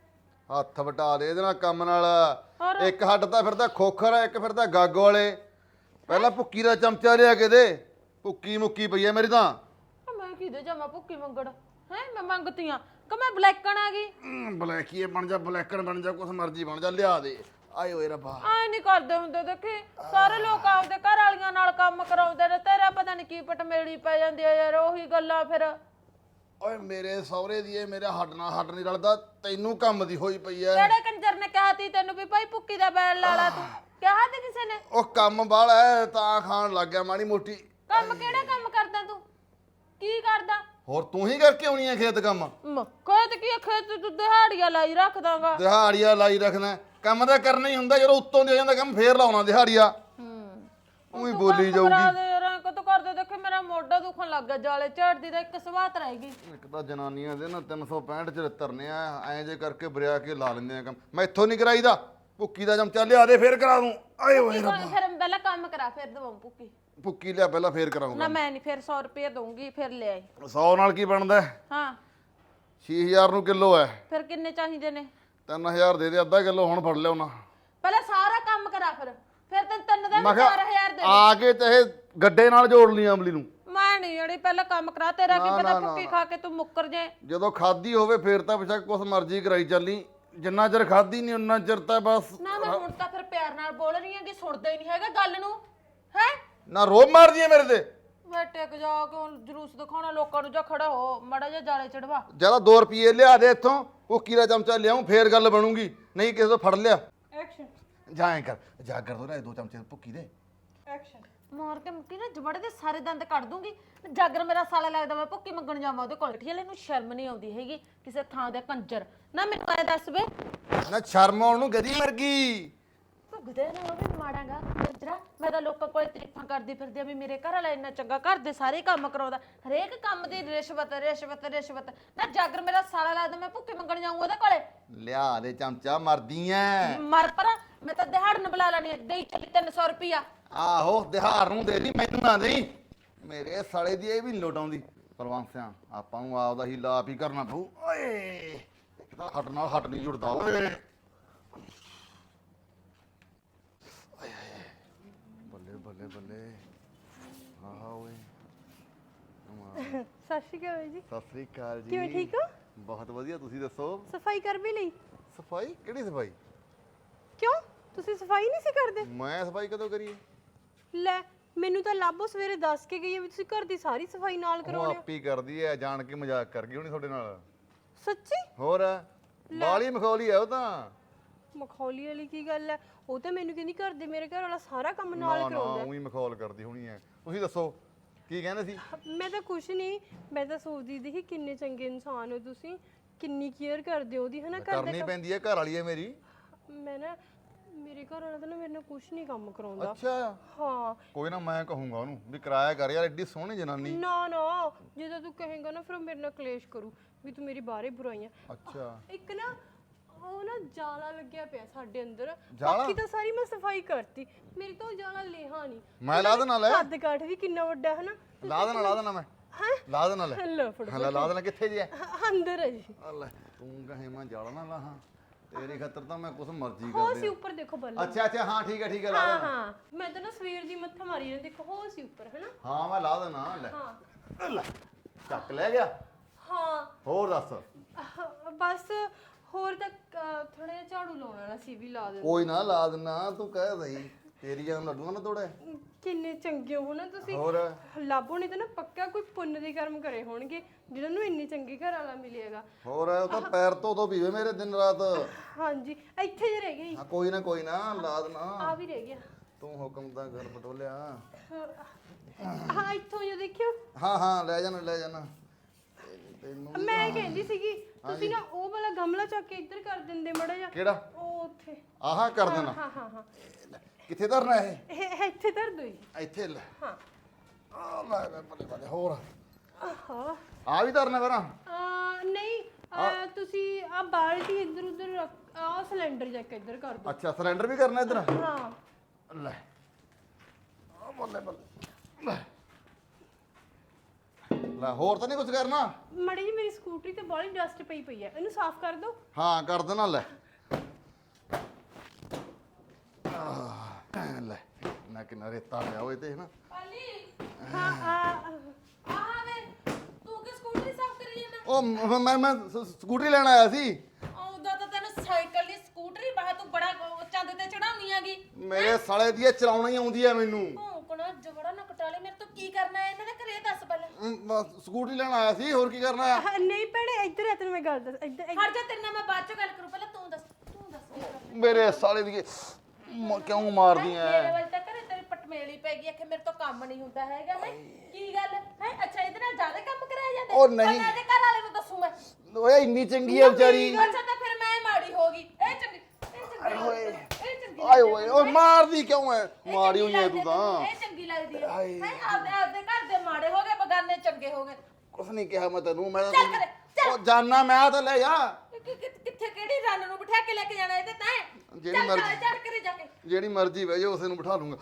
ਹੱਥ ਵਟਾ ਦੇ ਇਹਦੇ ਨਾਲ ਕੰਮ ਨਾਲ। ਹੋਰ? ਇੱਕ ਹੱਡ ਤਾਂ ਫਿਰਦਾ ਖੋਖਰ ਆ ਇੱਕ ਫਿਰਦਾ ਗੱਗ ਵਾਲੇ। ਪਹਿਲਾਂ ਭੁੱਕੀ ਦਾ ਚਮਚਾ ਲਿਆ ਕੇ ਦੇ। ਭੁੱਕੀ ਮੁੱਕੀ ਪਈ ਐ ਮੇਰੀ ਤਾਂ। ਆ ਮੈਂ ਕਿਹਦੇ ਜਾਵਾਂ ਭੁੱਕੀ ਮੰਗਣ ਹੈ? ਮੈਂ ਮੰਗਤੀ ਆ ਕਿ ਮੈਂ ਬਲੈਕਣ ਆ ਗਈ? ਬਲੈਕੀਏ ਬਣ ਜਾ ਬਲੈਕਣ ਬਣ ਜਾ ਕੁਛ ਮਰਜ਼ੀ ਬਣ ਜਾ ਲਿਆ ਦੇ। ਆਏ ਓਏ ਰੱਬਾ ਐ ਨਹੀਂ ਕਰਦੇ ਹੁੰਦੇ ਦੇਖੀ ਸਾਰੇ ਲੋਕ ਆਪਦੇ ਘਰ ਵਾਲੀਆਂ ਨਾਲ ਕੰਮ ਕਰਾਉਂਦੇ ਨੇ। ਤੇਰਾ ਪਤਾ ਨਹੀਂ ਕੀ ਪਟਮੇੜੀ ਪੈ ਜਾਂਦੀ ਆ ਯਾਰ ਉਹੀ ਗੱਲਾਂ ਫਿਰ। ਓਏ ਮੇਰੇ ਸਹੁਰੇ ਦੀ ਇਹ ਮੇਰਾ ਹੱਡ ਨਾਲ ਹੱਡ ਨਹੀਂ ਰਲਦਾ। ਤੈਨੂੰ ਕੰਮ ਦੀ ਹੋਈ ਪਈ ਐ। ਕਿਹੜੇ ਕੰਜਰ ਨੇ ਕਿਹਾ ਤੀ ਤੈਨੂੰ ਵੀ ਭਾਈ ਭੁੱਕੀ ਦਾ ਬੈਲ ਲਾ ਲਾ? ਤੂੰ ਕਿਹਾ ਤੀ ਕਿਸੇ ਨੇ? ਉਹ ਕੰਮ ਬਾਹਲਾ ਐ ਤਾਂ ਖਾਣ ਲੱਗ ਗਿਆ ਮਾੜੀ ਮੋਟੀ। ਕੰਮ ਕਿਹੜਾ ਕੰਮ ਕਰਦਾ ਤੂੰ? ਕੀ ਕਰਦਾ? ਹੋਰ ਤੂੰ ਹੀ ਕਰਕੇ ਆਉਣੀ ਐ ਖੇਤ ਕੰਮ? ਮ, ਖੇਤ ਕੀ ਆ, ਖੇਤ ਤੂੰ ਦਿਹਾੜੀਆਂ ਲਾਈ ਰੱਖਦਾਗਾ। ਦਿਹਾੜੀਆ ਲਾਈ ਰੱਖਣਾ ਕੰਮ ਤਾਂ ਕਰਨਾ ਹੀ ਹੁੰਦਾ। ਜਦੋਂ ਉੱਤੋਂ ਦੀ ਹੋ ਜਾਂਦਾ ਕੰਮ ਫੇਰ ਲਾਉਣਾ ਦਿਹਾੜੀਆ। ਹੂੰ ਉਹੀ ਬੋਲੀ ਕਰਾ ਜਾਊਗੀ। ਦੇ ਯਾਰ ਐਂ ਕਦੋਂ ਕਰਦੇ? ਦੇਖੇ ਮੇਰਾ ਮੋਢਾ ਦੁਖਣ ਲੱਗ ਗਿਆ ਜਾਲੇ ਝਾੜਦੀ ਦਾ। ਇੱਕ ਸਵਾਤ ਰਹਿ ਗਈ। ਇੱਕ ਤਾਂ ਜਨਾਨੀਆਂ ਦੇ ਨਾ ਤਿੰਨ ਸੌ ਪੈਂਹਠ ਚ ਤਰਨੇ ਆ ਐਂ ਜੇ ਕਰਕੇ ਬਰਿਆ ਕੇ ਲਾ ਲੈਂਦੇ ਆ ਕੰਮ। ਮੈਂ ਇੱਥੋਂ ਨਹੀਂ ਕਰਾਈਦਾ। ਭੁੱਕੀ ਦਾ ਚਮਚਾ ਲਿਆ ਦੇ ਫੇਰ ਕਰਾ ਦੂੰ। ਆਏ ਓਏ ਰੱਬਾ ਫਿਰ ਪਹਿਲਾਂ ਕੰਮ ਕਰਾ ਫਿਰ ਦਵਾਂ ਭੁੱਕੀ। ਭੁੱਕੀ ਲਿਆ ਪਹਿਲਾਂ ਫੇਰ ਕਰਾਉਂਗਾ। ਨਾ ਮੈਂ ਨਹੀਂ ਫਿਰ ਸੌ ਰੁਪਏ ਦਊਂਗੀ ਫਿਰ ਲੈ ਆਈ। ਸੌ ਨਾਲ ਕੀ ਬਣਦਾ? ਹਾਂ ਛੇ ਹਜ਼ਾਰ ਨੂੰ ਕਿਲੋ ਐ। ਫਿਰ ਕਿੰਨੇ ਚਾਹੀਦੇ ਨੇ? ਤਿੰਨ ਹਜ਼ਾਰ ਦੇ ਦੇ ਅੱਧਾ ਕਿਲੋ ਹੁਣ ਫੜ ਲਿਓ ਨਾ। ਪਹਿਲਾਂ ਸਾਰਾ ਕੰਮ ਕਰਾ ਫਿਰ ਫਿਰ ਤੈਨੂੰ ਤਿੰਨ ਦਾ ਮੈਂ ਵੀ ਚਾਰ ਹਜ਼ਾਰ ਦੇ। ਆ ਕੇ ਚਾਹੇ ਗੱਡੇ ਨਾਲ ਜੋੜ ਲਈ ਅਮਲੀ ਨੂੰ। ਮੈਂ ਨਹੀਂ ਜਿਹੜੀ ਪਹਿਲਾਂ ਕੰਮ ਕਰਾ। ਤੇਰਾ ਕੀ ਨਾ, ਪਤਾ ਨਾ, ਭੁੱਕੀ ਨਾ। ਖਾ ਕੇ ਤੂੰ ਮੁੱਕਰ ਜਾਏ। ਜਦੋਂ ਖਾਦੀ ਹੋਵੇ ਫੇਰ ਤਾਂ ਬੇਸ਼ੱਕ ਕੁਛ ਮਰਜ਼ੀ ਕਰਾਈ ਚੱਲੀ। ਜਿੰਨਾ ਚਿਰ ਖਾਦੀ ਨਹੀਂ ਉਹਨਾਂ ਚਿਰ ਤਾਂ ਬਸ। ਨਾ ਮੈਂ ਹੁਣ ਤਾਂ ਫਿਰ ਪਿਆਰ ਨਾਲ ਬੋਲ ਰਹੀ ਹਾਂ ਕਿ ਸੁਣਦਾ ਹੀ ਨਹੀਂ ਹੈਗਾ ਗੱਲ ਨੂੰ ਹੈ। ਨਾ ਰੋਬ ਮਾਰਦੀ ਐ ਮੇਰੇ ਤੇ। ਮੈਂ ਟਿਕ ਜਾ ਕੇ ਹੁਣ ਜਲੂਸ ਦਿਖਾਉਣਾ ਲੋਕਾਂ ਨੂੰ। ਜਾ ਖੜਾ ਹੋ ਮੜਾ ਜਾ ਜਾਲੇ ਚੜਵਾ। ਜਿਆਦਾ ਦੋ ਰੁਪਏ ਲਿਆ ਦੇ ਇੱਥੋਂ। ਭੁੱਕੀ ਦਾ ਚਮਚਾ ਲਿਆਉਂ ਫੇਰ ਗੱਲ ਬਣੂਗੀ। ਨਹੀਂ ਕਿਸੇ ਤੋਂ ਫੜ ਲਿਆ। ਐਕਸ਼ਨ ਜਾਏ ਕਰ ਜਾ ਕਰ ਦੋ ਨਾ ਇਹ ਦੋ ਚਮਚੇ ਭੁੱਕੀ ਦੇ। ਐਕਸ਼ਨ। ਮਾਰ ਕੇ ਮੁੱਕੀ ਨਾ ਜਬੜੇ ਦੇ ਸਾਰੇ ਦੰਦ ਕੱਢ ਦੂੰਗੀ। ਜਾਗਰ ਮੇਰਾ ਸਾਲਾ ਲੱਗਦਾ ਮੈਂ ਭੁੱਕੀ ਮੰਗਣ ਜਾਵਾਂ ਉਹਦੇ ਕੋਲ। ਠੀਲੇ ਨੂੰ ਸ਼ਰਮ ਨਹੀਂ ਆਉਂਦੀ ਹੈਗੀ ਕਿਸੇ ਥਾਂ ਦੇ ਕੰਜਰ। ਨਾ ਮੈਨੂੰ ਐ ਦੱਸ ਵੇ ਨਾ ਸ਼ਰਮ ਆਉਣ ਨੂੰ ਗਦੀ ਮਰ ਗਈ। ਭੁੱਗਦੇ ਨਾ ਉਹ ਵੀ ਮਾੜਾਂਗਾ ਕੰਜਰਾ। ਮੈਂ ਤਾਂ ਲੋਕਾਂ ਕੋਲ ਤਾਰੀਫਾਂ ਕਰਦੀ ਫਿਰਦੀ ਆ ਵੀ ਮੇਰੇ ਘਰ ਵਾਲਾ ਇੰਨਾ ਚੰਗਾ ਘਰ ਦੇ ਸਾਰੇ ਕੰਮ ਕਰਾਉਂਦਾ। ਹਰੇਕ ਕੰਮ ਦੀ ਰਿਸ਼ਵਤ ਰਿਸ਼ਵਤ ਰਿਸ਼ਵਤ। ਨਾ ਜਾਗਰ ਮੇਰਾ ਸਾਲਾ ਲੱਗਦਾ ਮੈਂ ਭੁੱਕੀ ਮੰਗਣ ਜਾਊਂ ਉਹਦੇ ਕੋਲੇ। ਲਿਆ ਦੇ ਚਮਚਾ ਮਰਦੀ ਐ। ਮਰ ਪਰਾਂ ਮੈਂ ਤਾਂ ਦਿਹਾੜਨ ਬੁਲਾ ਲੈਣੀ ਦੇਈ ਚੱਲੀ ਤਿੰਨ ਸੌ ਰੁਪਿਆ। ਆਹੋ ਦਿਹਾੜ ਨੂੰ ਦੇ ਦੀ ਮੈਨੂੰ ਨਾ ਦੇਈ। ਮੇਰੇ ਸਾਲੇ ਦੀ ਇਹ ਵੀ ਨੀ ਲੋਟ ਆਉਂਦੀ। ਪਰਵਾਂਸਿਆਂ ਆਪਾਂ ਨੂੰ ਆਪਦਾ ਹੀ ਲਾਪ ਹੀ ਕਰਨਾ ਪਊ। ਓਏ ਇੱਕ ਤਾਂ ਹੱਟ ਨਾਲ ਹੱਟ ਨਹੀਂ ਜੁੜਦਾ ਓਏ। ਬੱਲੇ ਬੱਲੇ ਬੱਲੇ ਆਹ ਓਏ। ਸਤਿ ਸ਼੍ਰੀ ਅਕਾਲ ਜੀ। ਸਤਿ ਸ੍ਰੀ ਅਕਾਲ ਜੀ। ਕਿਵੇਂ ਠੀਕ ਹੋ? ਬਹੁਤ ਵਧੀਆ ਤੁਸੀਂ ਦੱਸੋ। ਸਫਾਈ ਕਰ ਵੀ ਲਈ? ਸਫਾਈ ਕਿਹੜੀ ਸਫਾਈ? ਕਿਉਂ ਤੁਸੀਂ ਸਫਾਈ ਨਹੀਂ ਸੀ ਕਰਦੇ? ਮੈਂ ਸਫਾਈ ਕਦੋਂ ਕਰੀ? ਲੈ ਮੈਨੂੰ ਤਾਂ ਲਾਭੋ ਸਵੇਰੇ ਦੱਸ ਕੇ ਗਈ ਹੈ ਵੀ ਤੁਸੀਂ ਘਰ ਦੀ ਸਾਰੀ ਸਫਾਈ ਨਾਲ ਉਹ ਕਰਾਉਣੇ ਹੋ। ਆਪੀ ਕਰਦੀ ਐ ਜਾਣ ਕੇ ਮਜ਼ਾਕ ਕਰ ਗਈ ਹੋਣੀ ਤੁਹਾਡੇ ਨਾਲ। ਸੱਚੀ? ਹੋਰ ਬਾਲੀ ਮਖੌਲੀ ਆ ਉਹ ਤਾਂ। ਮਖੌਲੀ ਵਾਲੀ ਕੀ ਗੱਲ ਹੈ? ਉਹ ਤਾਂ ਮੈਨੂੰ ਕਹਿੰਦੀ ਘਰ ਦੇ ਮੇਰੇ ਘਰ ਵਾਲਾ ਸਾਰਾ ਕੰਮ ਨਾਲ ਨਾ ਨਾ ਕਰਾਉਂਦਾ। ਉਹੀ ਮਖੌਲ ਕਰਦੀ ਹੋਣੀ ਐ। ਤੁਸੀਂ ਦੱਸੋ ਕੀ ਕਹਿੰਦੇ ਸੀ? ਮੈਂ ਤਾਂ ਕੁਛ ਨਹੀਂ, ਮੈਂ ਤਾਂ ਸੋਚਦੀ ਸੀ ਕਿ ਕਿੰਨੇ ਚੰਗੇ ਇਨਸਾਨ ਹੋ ਤੁਸੀਂ, ਕਿੰਨੀ ਕੇਅਰ ਕਰਦੇ ਹੋ ਉਹਦੀ, ਹਨਾ? ਘਰ ਦੇ ਕਰਨੀ ਪੈਂਦੀ ਐ, ਘਰ ਵਾਲੀ ਐ ਮੇਰੀ। ਮੈਂ ਨਾ ਮੇਰੇ ਘਰ ਵਾਲਾ ਤਾਂ ਨਾ ਮੇਰੇ ਨਾਲ ਕੁਛ ਨਹੀਂ ਕੰਮ ਕਰਾਉਂਦਾ। ਅੱਛਾ ਹਾਂ। ਕੋਈ ਨਾ ਮੈਂ ਕਹੂੰਗਾ ਉਹਨੂੰ ਵੀ ਕਿਰਾਇਆ ਕਰ ਯਾਰ, ਐਡੀ ਸੋਹਣੀ ਜਨਾਨੀ। ਨਾ ਨਾ, ਜਦੋਂ ਤੂੰ ਕਹੇਂਗਾ ਨਾ ਫਿਰ ਉਹ ਮੇਰੇ ਨਾਲ ਕਲੇਸ਼ ਕਰੂ ਵੀ ਤੂੰ ਮੇਰੀ ਬਾਹਰੇ ਬੁਰਾਈਆਂ। ਅੱਛਾ ਇੱਕ ਨਾ ਉਹ ਨਾ ਜਾਲਾ ਲੱਗਿਆ ਪਿਆ ਸਾਡੇ ਅੰਦਰ, ਜਾਲਾ? ਬਾਕੀ ਤਾਂ ਸਾਰੀ ਮੈਂ ਸਫਾਈ ਕਰਤੀ, ਮੇਰੇ ਤੋਂ ਜਾਲਾ ਲੇਹਾ ਨਹੀਂ। ਮੈਂ ਲਾ ਦੇਣਾ ਲੈ। ਕੱਦ ਕਾਠ ਵੀ ਕਿੰਨਾ ਵੱਡਾ ਹੈ ਨਾ। ਲਾ ਦੇਣਾ ਲਾ ਦੇਣਾ ਮੈਂ। ਹੈਂ? ਲਾ ਦੇਣਾ ਲੈ। ਲੈ ਫੜੋ। ਹਾਂ ਲਾ ਦੇਣਾ। ਕਿੱਥੇ ਜੀ ਐ? ਹਾਂ, ਅੰਦਰ ਹੈ ਜੀ। ਆ ਲੈ ਤੂੰ ਕਹੇ ਮੈਂ ਜਾਲਾ ਨਾ ਲਾਹਾਂ, ਤੇਰੀ ਖਾਤਰ ਤਾਂ ਮੈਂ ਕੁਛ ਮਰਜ਼ੀ ਹੋ ਕਰ ਸੀ ਦਿਆਂ। ਉੱਪਰ ਦੇਖੋ ਬੱਲਾ। ਅੱਛਾ ਅੱਛਾ ਹਾਂ ਠੀਕ ਹੈ ਠੀਕ ਹੈ ਲਾ ਹਾਂ ਦੇਣਾ। ਹਾਂ, ਮੈਂ ਤਾਂ ਨਾ ਸਵੇਰ ਦੀ ਮੱਥਾ ਮਾਰੀ ਜਾਂਦੀ, ਦੇਖੋ ਹੋ ਸੀ ਉੱਪਰ ਹੈ ਨਾ। ਹਾਂ ਮੈਂ ਲਾ ਦੇਣਾ ਲੈ। ਹਾਂ ਲੈ ਚੱਕ ਲੈ ਗਿਆ। ਹਾਂ। ਹੋਰ ਦੱਸ। ਅਹ, ਬਸ ਹੋਰ ਤਾਂ ਥੋੜਾ ਜਿਹਾ ਝਾੜੂ ਲਾਉਣਾ ਨਾ ਸੀ, ਵੀ ਲਾ ਦੇ। ਕੋਈ ਨਾ ਲਾ ਦੇਣਾ, ਤੂੰ ਕਹਿ ਦਈ ਤੇਰੀਆਂ ਲੱਡੂਆਂ ਨਾ ਤੋੜੇ। ਕਿੰਨੇ ਚੰਗੇ ਹੋ ਨਾ ਤੁਸੀਂ। ਹੋਰ ਲਾਭੋ ਨੇ ਤਾਂ ਨਾ ਪੱਕਾ ਕੋਈ ਪੁੰਨ ਦੇ ਕਰਮ ਕਰੇ ਹੋਣਗੇ ਜਿਹਨਾਂ ਨੂੰ ਇੰਨੀ ਚੰਗੀ ਘਰ ਵਾਲਾ ਮਿਲੇਗਾ। ਹੋਰ ਉਹ ਤਾਂ ਪੈਰ ਤੋਂ ਤੋਂ ਪੀਵੇ ਮੇਰੇ ਦਿਨ ਰਾਤ। ਹਾਂਜੀ ਇੱਥੇ ਜੇ ਰਹਿ ਗਈ। ਹਾਂ ਕੋਈ ਨਾ ਕੋਈ ਨਾ ਲਾ ਦੇਣਾ। ਆ ਵੀ ਰਹਿ ਗਿਆ। ਤੂੰ ਹੁਕਮ ਦਾ ਘਰ ਬਟੋਲਿਆ। ਹਾਂ ਇੱਥੋਂ ਜੇ ਦੇਖਿਓ। ਹਾਂ ਹਾਂ ਲੈ ਜਾਣਾ ਲੈ ਜਾਣਾ ਤੈਨੂੰ। ਮੈਂ ਕਹਿੰਦੀ ਸੀਗੀ ਤੁਸੀਂ ਨਾ ਉਹ ਵਾਲਾ ਗਮਲਾ ਚੱਕ ਕੇ ਇੱਧਰ ਕਰ ਦਿੰਦੇ ਮੜਾ ਜਾ। ਕਿਹੜਾ? ਉਹ ਉੱਥੇ। ਆਹਾ ਕਰ ਦੇਣਾ। ਹਾਂ ਹਾਂ ਹਾਂ, ਕਿੱਥੇ ਧਰਨਾ ਇਹ? ਇਹ ਇੱਥੇ ਧਰ ਦੋ ਜੀ। ਇੱਥੇ ਲੈ। ਹਾਂ। ਆ ਲੈ ਲੈ ਬੱਲੇ ਬੱਲੇ। ਹੋਰ ਆਹਾ। ਆ ਵੀ ਧਰਨਾ ਫਿਰ। ਆ ਨਹੀਂ ਆ ਤੁਸੀਂ ਆ ਬਾਲਟੀ ਇੱਧਰ ਉੱਧਰ ਰੱਖ, ਆ ਸਿਲੰਡਰ ਚੱਕ ਇੱਧਰ ਕਰ ਦੋ। ਅੱਛਾ ਸਿਲੰਡਰ ਵੀ ਕਰਨਾ ਇੱਧਰ। ਹਾਂ ਲੈ ਆ ਬੱਲੇ ਬੱਲੇ ਲੈ ਲੈ। ਹੋਰ ਤਾਂ ਨਹੀਂ ਕੁਝ ਕਰਨਾ? ਮੜੀ ਜੀ ਮੇਰੀ ਸਕੂਟਰੀ ਤੇ ਬਾਹਲੀ ਡਸਟ ਪਈ ਪਈ ਹੈ, ਇਹਨੂੰ ਸਾਫ਼ ਕਰ ਦਿਓ। ਹਾਂ ਕਰ ਦੇਣਾ ਲੈ। ਆਹ, ਲੈ ਨਾ ਕਿੰਨਾ ਰੇਤਾ ਪਿਆ ਹੋਏ ਤੇ ਨਾ। ਪਾਲੀ ਹਾਂ ਆ ਆਹ ਵੇ ਤੂੰ ਕਿ ਸਕੂਟਰੀ ਸਾਫ਼ ਕਰੀ ਜਾਂਦਾ? ਉਹ ਮ- ਮੈਂ ਮੈਂ ਸ- ਸਕੂਟਰੀ ਲੈਣ ਆਇਆ ਸੀ। ਆਉਂਦਾ ਤਾਂ ਤੈਨੂੰ ਸਾਈਕਲ ਦੀ ਸਕੂਟਰੀ ਬਾਹ ਤੂੰ ਬੜਾ ਉਹ ਚੰਦ ਤੇ ਚੜਾਉਣੀ ਆਗੀ। ਮੇਰੇ ਸਾਲੇ ਦੀ ਇਹ ਚਲਾਉਣਾ ਹੀ ਆਉਂਦੀ ਹੈ ਮੈਨੂੰ। ਭੌਂਕਣਾ ਜਗੜਾ ਨਾ ਕਟਾਲੇ, ਮੇਰੇ ਤੋਂ ਕੀ ਕਰਨਾ ਹੈ ਇਹਨਾਂ ਦੇ ਘਰੇ ਦੱਸ ਪਹਿਲਾਂ। ਅਮ, ਬਸ ਸਕੂਟਰੀ ਲੈਣ ਆਇਆ ਸੀ, ਹੋਰ ਕੀ ਕਰਨਾ ਹੈ? ਹਾਂ, ਨਹੀਂ ਭੈਣੇ ਇੱਧਰ ਆ, ਤੈਨੂੰ ਮੈਂ ਗੱਲ ਦੱਸ ਇੱਧਰ ਇੱਧਰ- ਹਟ ਜਾ, ਤੇਰੇ ਨਾਲ ਮੈਂ ਬਾਅਦ ਚ ਗੱਲ ਕਰੂੰ, ਪਹਿਲਾਂ ਤੂੰ ਦੱਸ ਤੂੰ ਦੱਸ ਕੀ ਕਰਨਾ। ਮੇਰੇ ਸਾਲੇ ਦੀ ਮ- ਕਿਉਂ ਮਾਰਦੀ ਮੇਰੇ ਐ? ਵੱਲ ਤਾਂ ਘਰੇ ਤੇਰੀ ਪਟਮੇਲੀ ਪੈ ਗਈ, ਆਖੇ ਮੇਰੇ ਤੋਂ ਕੰਮ ਨਹੀਂ ਹੁੰਦਾ ਹੈਗਾ ਹੈ। ਕੀ ਗੱਲ ਹੈ? ਅੱਛਾ ਇਹਦੇ ਨਾਲ ਜ਼ਿਆਦਾ ਕੰਮ ਕਰਾਇਆ ਜਾਂਦਾ? ਉਹ ਨਹੀਂ। ਮੈਂ ਇਹਦੇ ਘਰ ਵਾਲੇ ਨੂੰ ਦੱਸੂ ਮੈਂ। ਓਏ ਇੰਨੀ ਚੰਗੀ ਐ ਵਿਚਾਰੀ। ਅੱਛਾ ਤਾਂ ਫਿਰ ਮੈਂ ਮਾੜੀ ਹੋ ਗਈ। ਇਹ ਚੰਗੀ ਇਹ ਚੰਗੀ ਓਏ ਇਹ ਚੰਗੀ ਆਏ ਓਏ ਓਏ ਮਾਰਦੀ ਕਿਉਂ ਐ? ਇਹ ਮਾਰੀ ਚੰਗੀ ਹੋਈ ਐ ਲੱਗਦੀ ਤੂੰ ਤਾਂ। ਇਹ ਚੰਗੀ ਲੱਗਦੀ ਹੈ ਹੈ ਆਪਦੇ ਆਪਦੇ ਘਰ ਦੇ ਮਾੜੇ ਹੋ ਗਏ, ਬਗਾਨੇ ਚੰਗੇ ਹੋ ਗਏ। ਕੁਛ ਨਹੀਂ ਕਿਹਾ ਮੈਂ ਤੈਨੂੰ। ਮੈਂ ਚੱਲ ਕਰੇ, ਚੱਲ। ਉਹ ਜਾਨਾ ਮੈਂ ਤਾਂ ਲੈ ਜਾ। ਕਿ- ਕਿ- ਕਿੱਥੇ ਕਿਹੜੀ ਰੰਨ ਨੂੰ ਬਿਠਾ ਕੇ ਲੈ ਕੇ ਜਾਣਾ ਇਹਦੇ ਤਾਂ? ਜਿਹੜੀ ਚੱਲ ਮਰਜ਼ੀ- ਚੜ ਕਰੇ ਜਾ ਕੇ। ਜਿਹੜੀ ਮਰਜ਼ੀ ਬਹਿ ਜਾ, ਉਸੇ ਨੂੰ ਬਿਠਾ ਲੂੰਗਾ।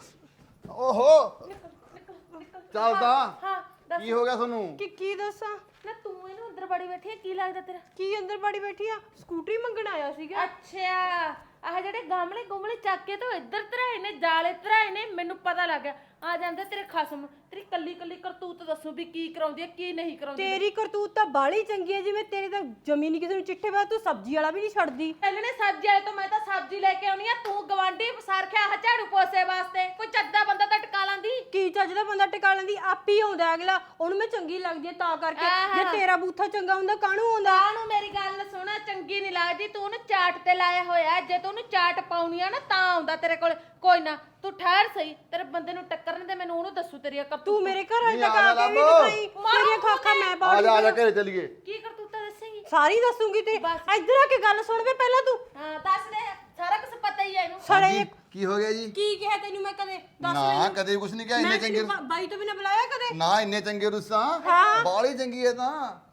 ਓਹੋ ਨਿਕਲ ਨਿਕਲ ਚੱਲਦਾ। ਹਾਂ ਦੱਸ ਕੀ ਹੋ ਗਿਆ ਤੁਹਾਨੂੰ? ਕੀ ਕੀ ਦੱਸਾਂ? ਨਾ ਤੂੰ ਇਹਨੂੰ ਅੰਦਰ ਬੜੀ ਬੈਠੀ ਹੈ, ਕੀ ਲੱਗਦਾ ਤੇਰਾ? ਕੀ ਅੰਦਰ ਬਾੜੀ ਬੈਠੀ ਆ? ਸਕੂਟਰੀ ਮੰਗਣ ਆਇਆ ਸੀਗਾ। ਅੱਛਾ ਆਹ ਜਿਹੜੇ ਗਮਲੇ ਗੁਮਲੇ ਚੱਕ ਕੇ ਤੂੰ ਇੱਧਰ ਧਰਾਏ ਨੇ, ਜਾਲੇ ਧਰਾਏ ਨੇ, ਮੈਨੂੰ ਪਤਾ ਲੱਗ ਗਿਆ। ਆ ਜਾਂਦੇ ਤੇਰੇ ਖਸਮ, ਤੇਰੀ ਕੱਲੀ ਕੱਲੀ ਕਰਤੂਤ ਦੱਸੂ ਵੀ ਕੀ ਕਰਾਉਂਦੀ ਹੈ ਕੀ ਨਹੀਂ ਕਰਾਉਂਦੀ। ਤੇਰੀ ਕਰਤੂਤ ਤਾਂ ਬਾਲੀ ਚੰਗੀ ਹੈ, ਜਿਵੇਂ ਤੇਰੀ ਤਾਂ ਜਮੀ ਨਹੀਂ ਕਿਸੇ ਨੂੰ ਚਿੱਠੇ ਪਾ, ਤੂੰ ਸਬਜ਼ੀ ਵਾਲਾ ਵੀ ਨਹੀਂ ਛੱਡਦੀ। ਪਹਿਲੇ ਸਬਜ਼ੀ ਵਾਲੇ ਤੋਂ ਮੈਂ ਤਾਂ ਸਬਜ਼ੀ ਲੈ ਕੇ ਆਉਣੀ ਆ, ਤੂੰ ਗਵਾਂਢੀ ਸਰਖਿਆ ਆਹ ਝਾੜੂ ਪੋਸੇ ਵਾਸਤੇ। ਕੋਈ ਚੱਦਾ ਬੰਦਾ ਤਾਂ ਟਿਕਾ ਲਾਂਦੀ। ਕੀ ਚੱਜ ਦਾ ਬੰਦਾ ਟਿਕਾ ਲੈਂਦੀ, ਆਪ ਹੀ ਆਉਂਦਾ ਅਗਲਾ, ਉਹਨੂੰ ਮੈਂ ਚੰਗੀ ਲੱਗਦੀ ਹੈ ਤਾਂ ਕਰਕੇ। ਜੇ ਤੇਰਾ ਬੂਥਾ ਚੰਗਾ ਹੁੰਦਾ ਕਾਹਨੂੰ ਆਉਂਦਾ? ਆਹ ਨੂੰ ਮੇਰੀ ਗੱਲ ਸੁਣਾ, ਚੰਗੀ ਨਹੀਂ ਲੱਗਦੀ, ਤੂੰ ਉਹਨੂੰ ਚਾਟ ਤੇ ਲਾਇਆ ਹੋਇਆ। ਜੇ ਤੂੰ ਉਹਨੂੰ ਚਾਟ ਪਾਉਣੀ ਆ ਨਾ ਤਾਂ ਆਉਂਦਾ ਤੇਰੇ ਕੋਲ। ਕੋਈ ਨਾ ਤੂੰ ਠਹਿਰ ਸਹੀ, ਤੇਰੇ ਬੰਦੇ ਨੂੰ ਟੱਕਰਨ ਦੇ, ਮੈਨੂੰ ਉਹਨੂੰ ਦੱਸੂ ਤੇਰੀ ਕਰਤੂਤ। ਤੂੰ ਮੇਰੇ ਘਰ ਵਾਲੇ ਨਹੀਂ, ਤੱਕ ਆ ਆ ਜਾ ਕੇ ਵੀ ਲੱਭ। ਦਿਖਾਈ, ਤੇਰੀਆਂ ਖਾਖਾਂ ਮੈਂ ਆ ਬਾੜੀ ਜਾ ਆ ਜਾ ਘਰੇ ਚੱਲੀਏ। ਕੀ ਕਰਤੂਤਾਂ ਦੱਸੇਂਗੀ? ਸਾਰੀ ਦੱਸੂਗੀ ਤੇ ਇੱਧਰ ਆ ਕੇ ਗੱਲ ਸੁਣ ਵੇ ਪਹਿਲਾਂ ਤੂੰ। ਹਾਂ ਦੱਸ ਦੇ, ਸਾਰਾ ਕੁਝ ਪਤਾ ਹੀ ਹੈ ਇਹਨੂੰ। ਸੜੇ ਕੀ ਹੋ ਗਿਆ ਜੀ? ਕੀ ਕਿਹਾ ਤੈਨੂੰ ਮੈਂ ਕਦੇ? ਦੱਸ ਨਾ ਕਦੇ ਕੁਛ ਨਹੀਂ ਕਿਹਾ। ਇੰਨੇ ਮੈਂ ਚੰਗੇ ਤੈਨੂੰ ਬਾਈ ਤੋਂ ਬਿਨਾ ਬੁਲਾਇਆ ਕਦੇ? ਨਾ ਇੰਨੇ ਚੰਗੇ ਰੁੱਸਾਂ। ਹਾਂ। ਬਾਲੀ ਚੰਗੀ ਐ ਤਾਂ।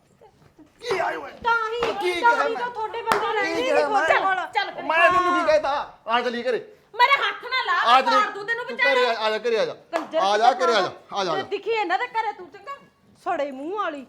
ਕੀ ਆਏ ਓਏ? ਤਾਂ ਹੀ ਕੀ ਤਾਂ ਕਿਹਾ ਹੀ ਮੈਂ? ਤਾਂ ਤੁਹਾਡੇ ਬੰਦੇ ਰਹਿੰਦੇ ਕੀ ਨਹੀਂ ਕਿਹਾ ਤੁਹਾਡੇ ਮੈਂ? ਕੋਲ। ਚੱਲ ਕਰੇ। ਮੈਂ ਤੈਨੂੰ ਕੀ ਕਹਿਤਾ? ਆ ਚੱਲੀ ਘਰੇ। ਮੇਰੇ ਹੱਥ ਨਾ ਲਾ, ਆ ਮੈਂ ਮਾਰ ਦੂੰ ਤੈਨੂੰ ਤੂੰ ਵਿਚਾਰੇ। ਘਰੇ ਆ ਜਾ ਘਰੇ ਆ ਜਾ। ਕੰਜਰ ਆ ਜਾ ਘਰੇ ਆ ਜਾ ਆ ਜਾ ਜੇ ਦਿਖੀ ਇਹਨਾਂ ਦੇ ਘਰੇ ਤੂੰ ਚੰਗਾ। ਸੜੇ ਮੂੰਹ ਵਾਲੀ।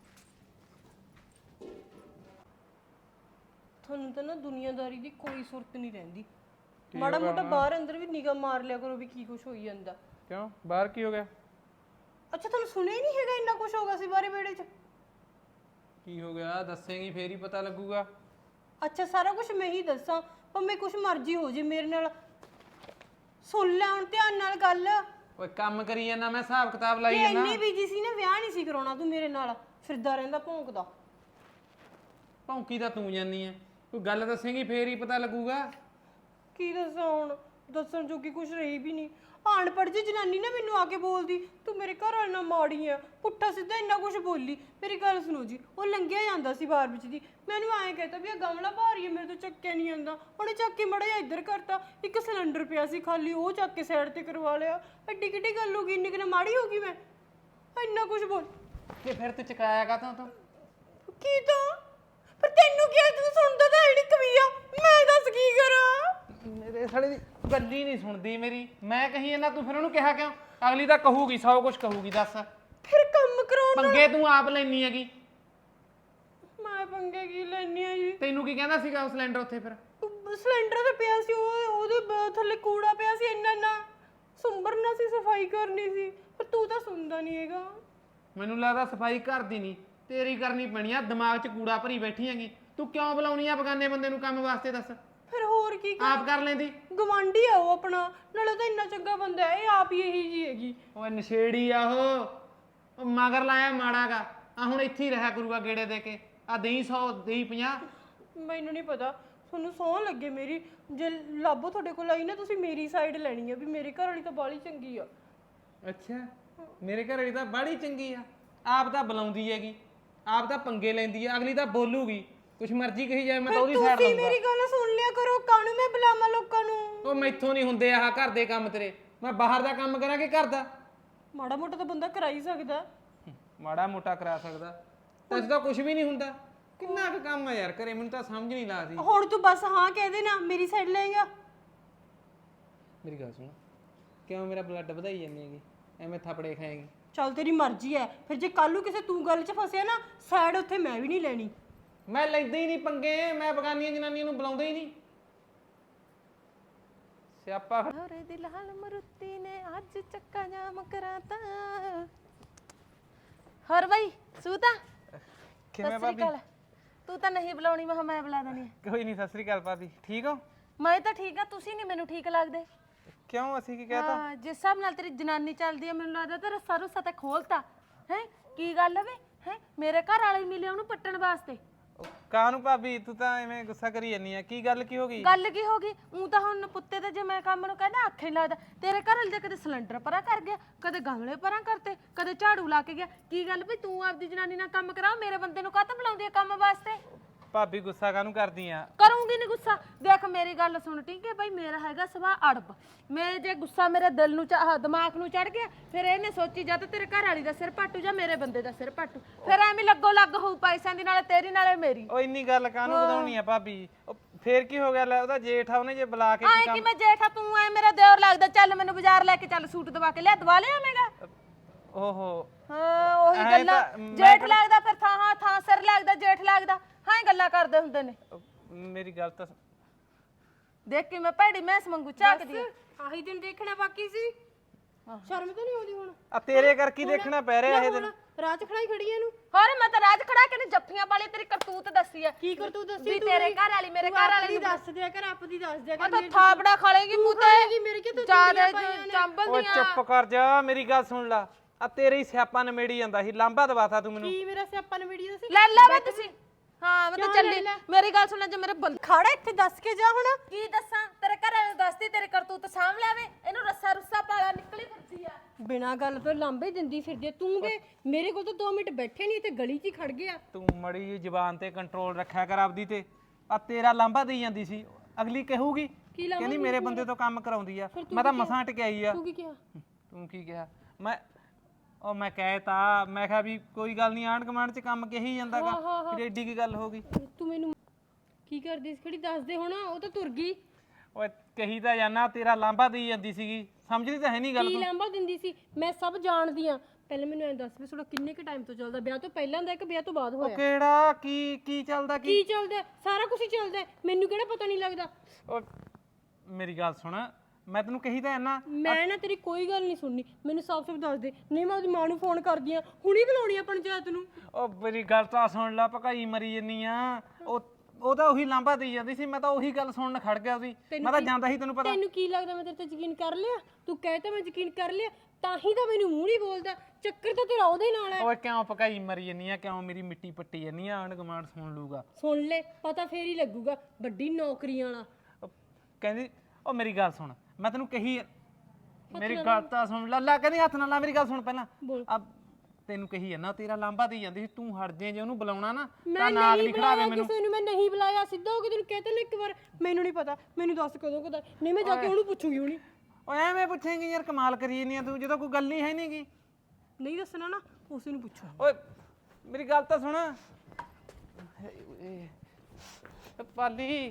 ਤੁਹਾਨੂੰ ਤਾਂ ਨਾ ਦੁਨੀਆਦਾਰੀ ਦੀ ਕੋਈ ਸੁਰਤ ਨਹੀਂ ਰਹਿੰਦੀ। ਮਾੜਾ ਮੋਟਾ ਬਾਹਰ ਅੰਦਰ ਵੀ ਨਿਗਾਹ ਮਾਰ ਲਿਆ ਕਰੋ ਵੀ ਕੀ ਕੁਝ ਹੋਈ ਜਾਂਦਾ। ਕਿਉਂ ਬਾਹਰ ਕੀ ਹੋ ਗਿਆ? ਅੱਛਾ ਤੁਹਾਨੂੰ ਸੁਣਿਆ ਹੀ ਨਹੀਂ ਹੈਗਾ ਇੰਨਾ ਕੁਝ ਹੋਗਾ ਸੀ ਬਾਰੇ ਵਿਹੜੇ 'ਚ? ਕੀ ਹੋ ਗਿਆ ਦੱਸੇਂਗੀ ਫੇਰ ਹੀ ਪਤਾ ਲੱਗੂਗਾ। ਅੱਛਾ ਸਾਰਾ ਕੁਝ ਮੈਂ ਹੀ ਦੱਸਾਂ? ਭਾਵੇਂ ਕੁਝ ਮਰਜ਼ੀ ਹੋ ਜੇ ਮੇਰੇ ਨਾਲ। ਸੁਣ ਲੈ ਹੁਣ ਧਿਆਨ ਨਾਲ ਗੱਲ। ਓਏ ਕੰਮ ਕਰੀ ਜਾਂਦਾ ਮੈਂ, ਹਿਸਾਬ ਕਿਤਾਬ ਲਾਈ ਕਿ ਜਾਂਦਾ। ਇੰਨੀ ਬੀਜੀ ਸੀ ਨਾ, ਵਿਆਹ ਨਹੀਂ ਸੀ ਕਰਾਉਣਾ ਤੂੰ ਮੇਰੇ ਨਾਲ। ਫਿਰਦਾ ਰਹਿੰਦਾ ਭੌਂਕਦਾ। ਭੌਂਕੀ ਤਾਂ ਤੂੰ ਜਾਨੀ ਐ ਕੋਈ ਗੱਲ ਦੱਸੇਂਗੀ ਫੇਰ ਹੀ ਪਤਾ ਲੱਗੂਗਾ। ਕੀ ਦੱਸਾਂ ਹੁਣ, ਦੱਸਣ ਜੋਗੀ ਕੁਝ ਰਹੀ ਵੀ ਨਹੀਂ। ਅਨਪੜ੍ਹ ਜੀ ਜਨਾਨੀ ਨਾ ਮੈਨੂੰ ਆ ਕੇ ਬੋਲਦੀ ਤੂੰ ਮੇਰੇ ਘਰ ਵਾਲੇ ਨਾਲ ਮਾੜੀ ਆ, ਪੁੱਠਾ ਸਿੱਧਾ ਇੰਨਾ ਕੁਝ ਬੋਲੀ। ਮੇਰੀ ਗੱਲ ਸੁਣੋ ਜੀ, ਉਹ ਲੰਘਿਆ ਜਾਂਦਾ ਸੀ ਬਾਹਰ ਵਿੱਚ ਦੀ, ਮੈਨੂੰ ਐਂ ਕਹਿਤਾ ਵੀ ਇਹ ਗਮਲਾ ਭਾਰੀ ਹੈ, ਮੇਰੇ ਤੋਂ ਚੱਕਿਆ ਨਹੀਂ ਜਾਂਦਾ। ਉਹਨੇ ਚੱਕ ਕੇ ਮੜਾ ਜਿਹਾ ਇੱਧਰ ਕਰਤਾ, ਇੱਕ ਸਿਲੰਡਰ ਪਿਆ ਸੀ ਖਾਲੀ, ਉਹ ਚੱਕ ਕੇ ਸਾਈਡ ਤੇ ਕਰਵਾ ਲਿਆ। ਐਡੀ ਕਿੱਡੀ ਗੱਲ ਹੋ ਗਈ, ਇੰਨੀ ਕਿਨੇ ਮਾੜੀ ਹੋ ਗਈ ਮੈਂ, ਇੰਨਾ ਕੁਝ ਬੋਲ ਕਿ ਫਿਰ ਤੂੰ ਚਕਾਇਆ ਕਾ ਤੂੰ ਕੀ ਤਾਂ ਪਰ ਤੈਨੂੰ ਕੀ ਤੂੰ ਸੁਣਦਾ ਤਾਂ ਐਡੀ ਕਵੀਆ, ਮੈਂ ਦੱਸ ਕੀ ਕਰਾਂ। ਮੇਰੇ ਸਾਲੇ ਦੀ ਗੱਲ ਹੀ ਨਹੀਂ ਸੁਣਦੀ ਮੇਰੀ, ਮੈਂ ਕਹੀ ਇਹਨਾਂ ਤੂੰ ਫਿਰ ਉਹਨੂੰ ਕਿਹਾ ਕਿਉਂ? ਅਗਲੀ ਤਾਂ ਕਹੂਗੀ ਸੌ ਕੁਝ ਕਹੂਗੀ। ਦੱਸ ਫਿਰ ਕੰਮ ਕਰਾਉਣ ਪੰਗੇ ਤੂੰ ਆਪ ਲੈਣੀ ਹੈਗੀ। ਮੈਂ ਪੰਗੇ ਕੀ ਲੈਣੀ ਆ ਜੀ? ਤੈਨੂੰ ਕੀ ਕਹਿੰਦਾ ਸੀਗਾ ਉਹ ਸਿਲੰਡਰ ਉੱਥੇ? ਫਿਰ ਸਿਲੰਡਰ ਤੇ ਪਿਆ ਸੀ, ਉਹ ਉਹਦੇ ਬ- ਥੱਲੇ ਕੂੜਾ ਪਿਆ ਸੀ, ਇੰਨਾ ਨਾ ਸੁੰਬਰਨਾ ਸੀ, ਸਫਾਈ ਕਰਨੀ ਸੀ, ਪਰ ਤੂੰ ਤਾਂ ਸੁਣਦਾ ਨਹੀਂ ਹੈਗਾ। ਮੈਨੂੰ ਲੱਗਦਾ ਸਫਾਈ ਘਰ ਦੀ ਨਹੀਂ ਤੇਰੀ ਕਰਨੀ ਪੈਣੀ ਆ, ਦਿਮਾਗ 'ਚ ਕੂੜਾ ਭਰੀ ਬੈਠੀ ਹੈਗੀ। ਤੂੰ ਕਿਉਂ ਬੁਲਾਉਣੀ ਆ ਬਗਾਨੇ ਬੰਦੇ ਨੂੰ ਕੰਮ ਵਾਸਤੇ? ਦੱਸ ਫਿਰ ਹੋਰ ਕੀ ਕਰ, ਆਪ ਕਰ ਲੈਂਦੀ। ਗਵਾਂਢੀ ਆ ਉਹ ਆਪਣਾ, ਨਾਲੇ ਤਾਂ ਇੰਨਾ ਚੰਗਾ ਬੰਦਾ ਹੈ, ਇਹ ਆਪ ਹੀ ਇਹੀ ਜੀ ਹੈਗੀ। ਓਏ ਨਸ਼ੇੜੀ ਆ ਉਹ, ਉਹ ਮਗਰ ਲਾਇਆ ਮਾੜਾਗਾ। ਆ ਹੁਣ ਇੱਥੇ ਹੀ ਰਿਹਾ ਕਰੂਗਾ ਗੇੜੇ ਦੇ ਕੇ, ਆ ਦੇਈ ਸੌ ਦੇਈ ਪੰਜਾਹ। ਮੈਨੂੰ ਨਹੀਂ ਪਤਾ, ਤੁਹਾਨੂੰ ਸੌਂ ਲੱਗੇ ਮੇਰੀ, ਜੇ ਲਾਭੋ ਤੁਹਾਡੇ ਕੋਲ ਆਈ ਨਾ ਤੁਸੀਂ ਮੇਰੀ ਸਾਈਡ ਲੈਣੀ ਆ ਵੀ ਮੇਰੇ ਘਰ ਵਾਲੀ ਤਾਂ ਬਾਲੀ ਚੰਗੀ ਆ। ਅੱਛਾ, ਮੇਰੇ ਘਰ ਵਾਲੀ ਤਾਂ ਬਾੜੀ ਚੰਗੀ ਆ, ਆਪ ਤਾਂ ਬੁਲਾਉਂਦੀ ਹੈਗੀ, ਆਪ ਤਾਂ ਪੰਗੇ ਲੈਂਦੀ ਆ, ਅਗਲੀ ਤਾਂ ਬੋਲੂਗੀ ਕੁਛ ਮਰਜ਼ੀ ਕਹੀ ਜਾਏ, ਮੈਂ ਤਾਂ ਉਹਦੀ ਸਾਈਡ ਤੁਸੀਂ ਲਊਂਗਾ। ਮੇਰੀ ਗੱਲ ਸੁਣ ਲਿਆ ਕਰੋ, ਕਾਹਨੂੰ ਮੈਂ ਬੁਲਾਵਾਂ ਲੋਕਾਂ ਨੂੰ? ਉਹ ਮੈਥੋਂ ਨਹੀਂ ਹੁੰਦੇ ਆਹ ਘਰ ਦੇ ਕੰਮ ਤੇਰੇ, ਮੈਂ ਬਾਹਰ ਦਾ ਕੰਮ ਕਰਾਂ ਕਿ ਘਰ ਦਾ? ਮਾੜਾ ਮੋਟਾ ਤਾਂ ਬੰਦਾ ਕਰਾ ਹੀ ਸਕਦਾ। ਮਾੜਾ ਮੋਟਾ ਕਰਾ ਸਕਦਾ, ਤਾਂ ਇਸ ਦਾ ਕੁਝ ਵੀ ਨਹੀਂ ਹੁੰਦਾ। ਕਿੰਨਾ ਕੁ ਕੰਮ ਆ ਯਾਰ ਘਰੇ, ਮੈਨੂੰ ਤਾਂ ਸਮਝ ਨਹੀਂ ਲੱਗਦੀ। ਹੁਣ ਤੂੰ ਬਸ ਹਾਂ ਕਹਿ ਦੇ ਨਾ, ਮੇਰੀ ਸਾਈਡ ਲਏਗਾ। ਮੇਰੀ ਗੱਲ ਸੁਣ, ਕਿਉਂ ਮੇਰਾ ਬਲੱਡ ਵਧਾਈ ਜਾਂਦੀ ਹੈਗੀ, ਐਵੇਂ ਥਾਪੜੇ ਖਾਏਗੀ? ਚੱਲ ਤੇਰੀ ਮਰਜ਼ੀ ਹੈ, ਫਿਰ ਜੇ ਕੱਲ ਨੂੰ ਕਿਸੇ ਤੂੰ ਗੱਲ 'ਚ ਫਸਿਆ ਨਾ, ਸਾਈਡ ਉੱਥੇ ਮੈਂ ਵੀ ਨਹੀਂ ਲੈਣੀ। ਮੈਂ ਲੈਂਦਾ ਹੀ ਨਹੀਂ ਪੰਗੇ, ਮੈਂ ਬਗਾਨੀਆਂ ਜਨਾਨੀਆਂ ਨੂੰ ਬੁਲਾਉਂਦਾ ਹੀ ਨਹੀਂ। ਸਿਆਪਾ ਹੋਰੇ ਦਿਲ ਹਾਲ ਮਰੁੱਤੀ ਨੇ ਅੱਜ ਚੱਕਾ ਜਾਮ ਕਰਾਤਾ। ਹੋਰ ਬਈ ਸੂਤਾ ਕਿਵੇਂ ਭਾਬੀ? ਤੂੰ ਤਾਂ ਨਹੀਂ ਬੁਲਾਉਣੀ, ਮੈਂ ਕਿਹਾ ਮੈਂ ਬੁਲਾ ਦਣੀ। ਕੋਈ ਨਹੀਂ। ਸਤਿ ਸ੍ਰੀ ਅਕਾਲ ਭਾਬੀ, ਠੀਕ ਹੋ? ਮੈਂ ਤਾਂ ਠੀਕ ਆ, ਤੁਸੀਂ ਨਹੀਂ ਮੈਨੂੰ ਠੀਕ ਲੱਗਦੇ। ਕਿਉਂ, ਅਸੀਂ ਕੀ ਕਹਿਤਾ? ਹਾਂ, ਜਿਸ ਹਿਸਾਬ ਨਾਲ ਤੇਰੀ ਜਨਾਨੀ ਚੱਲਦੀ ਆ, ਮੈਨੂੰ ਲੱਗਦਾ ਤੇ ਰੱਸਾ ਰੁੱਸਾ ਤੇ ਖੋਲਤਾ ਹੈ। ਕੀ ਗੱਲ ਵੇ ਹੈ, ਮੇਰੇ ਘਰ ਵਾਲੇ ਮਿਲੇ ਉਹਨੂੰ ਪੱਟਣ ਵਾਸਤੇ। ਕਾਹਨੂੰ ਭਾਬੀ, ਤੂੰ ਤਾਂ ਐਵੇਂ ਗੁੱਸਾ ਕਰੀ ਜਾਂਦੀ ਆ, ਕੀ ਗੱਲ ਕੀ ਹੋ ਗਈ? ਗੱਲ ਕੀ ਹੋ ਗਈ? ਉਹ ਤਾਂ ਹੁਣ ਪੁੱਤੇ ਤੇ ਜੇ ਮੈਂ ਕੰਮ ਨੂੰ ਕਹਿੰਦਾ ਅੱਖ ਨਹੀਂ ਲੱਗਦਾ। ਤੇਰੇ ਘਰ ਵਾਲੇ ਦੇ ਕਦੇ ਸਿਲੰਡਰ ਪਰਾਂ ਕਰ ਗਿਆ, ਕਦੇ ਗਮਲੇ ਪਰਾਂ ਕਰਤੇ, ਕਦੇ ਝਾੜੂ ਲਾ ਕੇ ਗਿਆ। ਕੀ ਗੱਲ ਵੀ ਤੂੰ ਆਪਦੀ ਜਨਾਨੀ ਨਾਲ ਕੰਮ ਕਰਾ, ਮੇਰੇ ਬੰਦੇ ਨੂੰ ਕਾਹਤੋਂ ਬੁਲਾਉਂਦੀ ਆ ਕੰਮ ਵਾਸਤੇ? ਭਾਬੀ ਗੁੱਸਾ ਕਾਹਨੂੰ ਕਰਦੀ ਆ? ਕਰੂੰਗੀ ਨਹੀਂ ਗੁੱਸਾ। ਦੇਖ ਮੇਰੀ ਗੱਲ ਸੁਣ, ਠੀਕ ਹੈ ਭਾਈ, ਮੇਰਾ ਹੈਗਾ ਸੁਭਾਅ ਅੜਬ। ਮੈਂ ਜੇ ਗੁੱਸਾ ਮੇਰੇ ਦਿਲ ਨੂੰ ਆਹ ਦਿਮਾਗ ਨੂੰ ਚੜ ਗਿਆ, ਫਿਰ ਇਹਨੇ ਸੋਚੀ ਜਾਂ ਤਾਂ ਤੇਰੇ ਘਰ ਵਾਲੀ ਦਾ ਸਿਰ ਪਾਟੂ ਜਾਂ ਮੇਰੇ ਬੰਦੇ ਦਾ ਸਿਰ ਪਾਟੂ, ਫਿਰ ਐਵੇਂ ਲੱਗੋ ਲੱਗ ਹੋਊ ਪੈਸਿਆਂ ਦੀ, ਨਾਲੇ ਤੇਰੀ ਨਾਲੇ ਮੇਰੀ। ਉਹ ਇੰਨੀ ਗੱਲ ਕਾਹਨੂੰ ਵਧਾਉਣੀ ਆ ਭਾਬੀ? ਉਹ ਫੇਰ ਕੀ ਹੋ ਗਿਆ? ਲੈ ਉਹਦਾ ਜੇਠ ਆ, ਉਹਨੇ ਜੇ ਬੁਲਾ ਕੇ ਆਏ ਕਿ ਮੈਂ ਜੇਠਾ, ਤੂੰ ਐ ਮੇਰਾ ਦਿਓਰ ਲੱਗਦਾ। ਚੱਲ ਮੈਨੂੰ ਬਾਜ਼ਾਰ ਲੈ ਕੇ ਚੱਲ, ਸੂਟ ਦਵਾ ਕੇ ਲਿਆ, ਦਵਾ ਲਿਆ ਮੈਂਗਾ। ਓਹੋ, ਹਾਂ ਉਹੀ ਐਂ ਗੱਲਾਂ, ਤਾਂ ਮੈਂ ਜੇਠ ਕਿਹੜਾ- ਲੱਗਦਾ ਫਿਰ ਥਾਂ ਹਾਂ ਥਾਂ ਸਿਰ ਲੱਗਦਾ, ਜੇਠ ਲੱਗਦਾ, ਹਾਂ ਇਹ ਗੱਲਾਂ ਕਰਦੇ ਹੁੰਦੇ ਨੇ। ਮੇਰੀ ਗੱਲ ਤਾਂ ਦੇਖ ਕੇ ਮੈਂ ਭੈੜੀ ਮੈਸ ਮੰਗੂ ਝਾਕਦੀ ਆ। ਆਹੀ ਦਿਨ ਦੇਖਣਾ ਬਾਕੀ ਸੀ, ਸ਼ਰਮ ਤਾਂ ਨਹੀਂ ਆਉਂਦੀ ਹੁਣ? ਆ ਤੇਰੇ ਕਰਕੇ ਹੀ ਦੇਖਣਾ ਪੈ ਰਿਹਾ ਇਹ ਦਿਨ। ਰਾਹ 'ਚ ਖੜਾਈ ਖੜੀ ਇਹਨੂੰ। ਹੋਰ ਮੈਂ ਤਾਂ ਰਾਜ ਖੜਾ ਕੇ ਨੇ ਜੱਫੀਆਂ ਵਾਲੀ ਤੇਰੀ ਕਰਤੂਤ ਦੱਸੀ ਆ। ਕੀ ਕਰ ਤੂੰ ਦੱਸੀ? ਵੀ ਤੇਰੇ ਘਰ ਵਾਲੀ ਮੇਰੇ ਘਰ ਵਾਲੀ ਦੀ ਦੱਸ ਦਿਆ ਕਰ, ਆਪਦੀ ਦੱਸ ਦਿਆ ਉਹ ਕਰ। ਤਾਂ ਥਾਪੜਾ ਖਾ ਲੇਗੀ ਮੂੰਹ ਤੇ, ਮੇਰੇ ਕਿ ਤੂੰ ਜਿਆਦਾ ਓਏ ਚੰਬਲਦੀਆਂ। ਚੁੱਪ ਕਰ ਜਾ, ਮੇਰੀ ਗੱਲ ਸੁਣ ਲਾ। ਆ ਤੇਰੇ ਹੀ ਸਿਆਪਾ ਨਮੇੜੀ ਜਾਂਦਾ ਸੀ, ਲਾਂਬਾ ਦਵਾਤਾ ਤੂੰ ਮੈਨੂੰ। ਕੀ ਮੇਰਾ ਸਿਆਪਾ ਨੇ ਵੀਡੀਓ ਸੀ? ਲੈ ਲੈ ਵੇ ਤੁਸੀਂ। ਹਾਂ ਮੈਂ ਤਾਂ ਚੱਲੀ, ਮੇਰੀ ਗੱਲ ਸੁਣ ਲੈ, ਜੇ ਮੇਰੇ ਬੰਦ ਖੜਾ ਇੱਥੇ ਦੱਸ ਕੇ ਜਾ ਹੁਣ। ਕੀ ਦੱਸਾਂ ਤੇਰੇ ਘਰ ਵਾਲੇ ਨੂੰ? ਦੱਸਦੀ ਤੇਰੇ ਕਰਤੂਤ ਸਾਂਭ ਲਿਆਵੇ, ਇਹਨੂੰ ਰੱਸਾ ਰੁੱਸਾ ਪਾਲਾ ਨਿਕਲੀ ਫਿਰਦੀ ਆ। ਬਿਨਾਂ ਗੱਲ ਤੋਂ ਲਾਂਬੇ ਦਿੰਦੀ ਫਿਰਦੀ ਆ। ਤੂੰ ਵੇ ਮੇਰੇ ਕੋਲ ਤਾਂ ਦੋ ਮਿੰਟ ਬੈਠੇ ਨਹੀਂ, ਤੇ ਗਲੀ 'ਚ ਹੀ ਖੜ ਗਿਆ। ਤੂੰ ਮੜੀ ਜੀ ਜ਼ੁਬਾਨ ਤੇ ਕੰਟਰੋਲ ਰੱਖਿਆ ਕਰ ਆਪਦੀ ਤੇ। ਆ ਤੇਰਾ ਲਾਂਬਾ ਦੇਈ ਜਾਂਦੀ ਸੀ, ਅਗਲੀ ਕਹੂਗੀ ਕਹਿੰਦੀ ਮੇਰੇ ਬੰਦੇ ਤੋਂ ਕੰਮ ਕਰਾਉਂਦੀ ਆ। ਮੈਂ ਤਾਂ ਮਸਾਂ ਟਕਿਆਈ ਆ। ਤੂੰ ਕੀ ਕਿਹਾ? ਤੂੰ ਕੀ ਕਿਹਾ? ਮੈਂ ਉਹ ਮੈਂ ਕਹਿਤਾ, ਮੈਂ ਕਿਹਾ ਵੀ ਕੋਈ ਗੱਲ ਨਹੀਂ, ਆਂਢ ਗੁਆਂਢ ਚ ਕੰਮ ਕਹੀ ਜਾਂਦਾਗਾ, ਫਿਰ ਏਡੀ ਕੀ ਗੱਲ ਹੋ ਗਈ? ਤੂੰ ਮੈਨੂੰ ਕੀ ਕਰਦੀ ਸੀ ਖੜੀ? ਦੱਸ ਦੇ ਹੁਣ। ਉਹ ਤਾਂ ਤੁਰ ਗਈ। ਓਏ ਕਹੀ ਤਾਂ ਜਾਨਾ, ਤੇਰਾ ਲਾਂਬਾ ਦੇਈ ਜਾਂਦੀ ਸੀਗੀ, ਸਮਝਦੀ ਤਾਂ ਹੈ ਨਹੀਂ ਗੱਲ ਕੀ ਤੂੰ। ਲਾਂਬਾ ਦਿੰਦੀ ਸੀ? ਮੈਂ ਸਭ ਜਾਣਦੀ ਆ। ਪਹਿਲਾਂ ਮੈਨੂੰ ਐਂ ਦੱਸ ਵੀ ਤੁਹਾਡਾ ਕਿੰਨੇ ਕ ਟਾਈਮ ਤੋਂ ਚੱਲਦਾ? ਵਿਆਹ ਤੋਂ ਪਹਿਲਾਂ ਦਾ ਕਿ ਵਿਆਹ ਤੋਂ ਬਾਅਦ ਉਹ ਹੋਇਆ? ਕਿਹੜਾ ਕੀ ਕੀ ਚੱਲਦਾ ਕੀ? ਕੀ ਚੱਲਦਾ? ਸਾਰਾ ਕੁਝ ਹੀ ਚੱਲਦਾ, ਮੈਨੂੰ ਕਿਹੜਾ ਪਤਾ ਨਹੀਂ ਲੱਗਦਾ? ਓ ਮੇਰੀ ਗੱਲ ਸੁਣ, ਮੈਂ ਤੈਨੂੰ ਕਹੀ ਤਾਂ ਜਾਨਾ। ਮੈਂ ਨਾ ਤੇਰੀ ਕੋਈ ਗੱਲ ਨਹੀਂ ਸੁਣਨੀ, ਮੈਨੂੰ ਸਾਫ਼ ਸਾਫ਼ ਦੱਸ ਦੇ, ਨਹੀਂ ਮੈਂ ਉਹਦੀ ਮਾਂ ਨੂੰ ਫੋਨ ਕਰਦੀ ਆ, ਹੁਣੀ ਬੁਲਾਉਣੀ ਆ ਪੰਚਾਇਤ ਨੂੰ। ਉਹ ਮੇਰੀ ਗੱਲ ਤਾਂ ਸੁਣ ਲੈ, ਭਕਾਈ ਮਰੀ ਜੰਨੀ ਆ। ਉਹ ਉਹ ਤਾਂ ਉਹੀ ਲਾਂਬਾ ਦੇਈ ਜਾਂਦੀ ਸੀ, ਮੈਂ ਤਾਂ ਉਹੀ ਗੱਲ ਸੁਣਨ ਖੜ ਗਿਆ ਸੀ। ਮੈਂ ਤਾਂ ਜਾਂਦਾ ਸੀ, ਤੈਨੂੰ ਪਤਾ। ਤੈਨੂੰ ਕੀ ਲੱਗਦਾ ਮੈਂ ਤੇਰੇ ਤੇ ਯਕੀਨ ਕਰ ਲਿਆ? ਤੂੰ ਕਹਿ ਤਾ ਮੈਂ ਯਕੀਨ ਕਰ ਲਿਆ। ਤਾਂ ਹੀ ਤਾਂ ਮੈਨੂੰ ਮੂੰਹ ਨਹੀਂ ਬੋਲਦਾ। ਚੱਕਰ ਤਾਂ ਤੇਰਾ ਉਹਦੇ ਨਾਲ ਹੈ। ਓਏ ਕਿਉਂ ਪਕਾਈ ਮਰੀ ਜੰਨੀ ਆ, ਕਿਉਂ ਮੇਰੀ ਮਿੱਟੀ ਪੱਟੀ ਜੰਨੀ ਆ? ਆਂਢ ਗੁਆਂਢ ਸੁਣ ਲੂਗਾ। ਸੁਣ ਲੈ, ਪਤਾ ਫੇਰ ਹੀ ਲੱਗੂਗਾ। ਵੱਡੀ ਨੌਕਰੀਆਂ ਵਾਲਾ। ਉਹ ਕਹਿੰਦੀ ਉਹ ਮੇਰੀ ਗੱਲ ਸੁਣ, ਮੈਂ ਤੈਨੂੰ ਕਹੀ ਮੇਰੀ ਗੱਲ ਤਾਂ ਸੁਣ ਲੈ। ਲੈ ਕਹਿੰਦੀ ਹੱਥ ਨਾਲ ਲਾ, ਮੇਰੀ ਗੱਲ ਸੁਣ ਪਹਿਲਾਂ। ਆ ਤੈਨੂੰ ਕਹੀ ਹੈ ਨਾ, ਤੇਰਾ ਲਾਂਬਾ ਦੇਈ ਜਾਂਦੀ ਸੀ, ਤੂੰ ਹਟ ਜੇ ਜੇ ਉਹਨੂੰ ਬੁਲਾਉਣਾ ਨਾ ਤਾਂ ਨਾਗ ਨਹੀਂ ਖੜਾਵੇ ਮੈਨੂੰ। ਕਿਸੇ ਨੂੰ ਮੈਂ ਨਹੀਂ ਬੁਲਾਇਆ, ਸਿੱਧਾ ਹੋ ਕੇ ਤੈਨੂੰ ਕਹਿ ਤਾ ਨਾ ਇੱਕ ਵਾਰ। ਮੈਨੂੰ ਨਹੀਂ ਪਤਾ, ਮੈਨੂੰ ਦੱਸ ਕਦੋਂ ਕਦਾ, ਨਹੀਂ ਮੈਂ ਜਾ ਕੇ ਉਹਨੂੰ ਪੁੱਛੂਗੀ। ਹੁਣੀ ਓਏ ਐਵੇਂ ਪੁੱਛੇਂਗੀ ਯਾਰ, ਕਮਾਲ ਕਰੀ ਜਾਂਦੀ ਆ ਤੂੰ, ਜਦੋਂ ਕੋਈ ਗੱਲ ਹੀ ਹੈ ਨਹੀਂਗੀ। ਨਹੀਂ ਦੱਸਣਾ ਨਾ, ਉਸੇ ਨੂੰ ਪੁੱਛੋ। ਓਏ ਮੇਰੀ ਗੱਲ ਤਾਂ ਸੁਣ ਪਾਲੀ।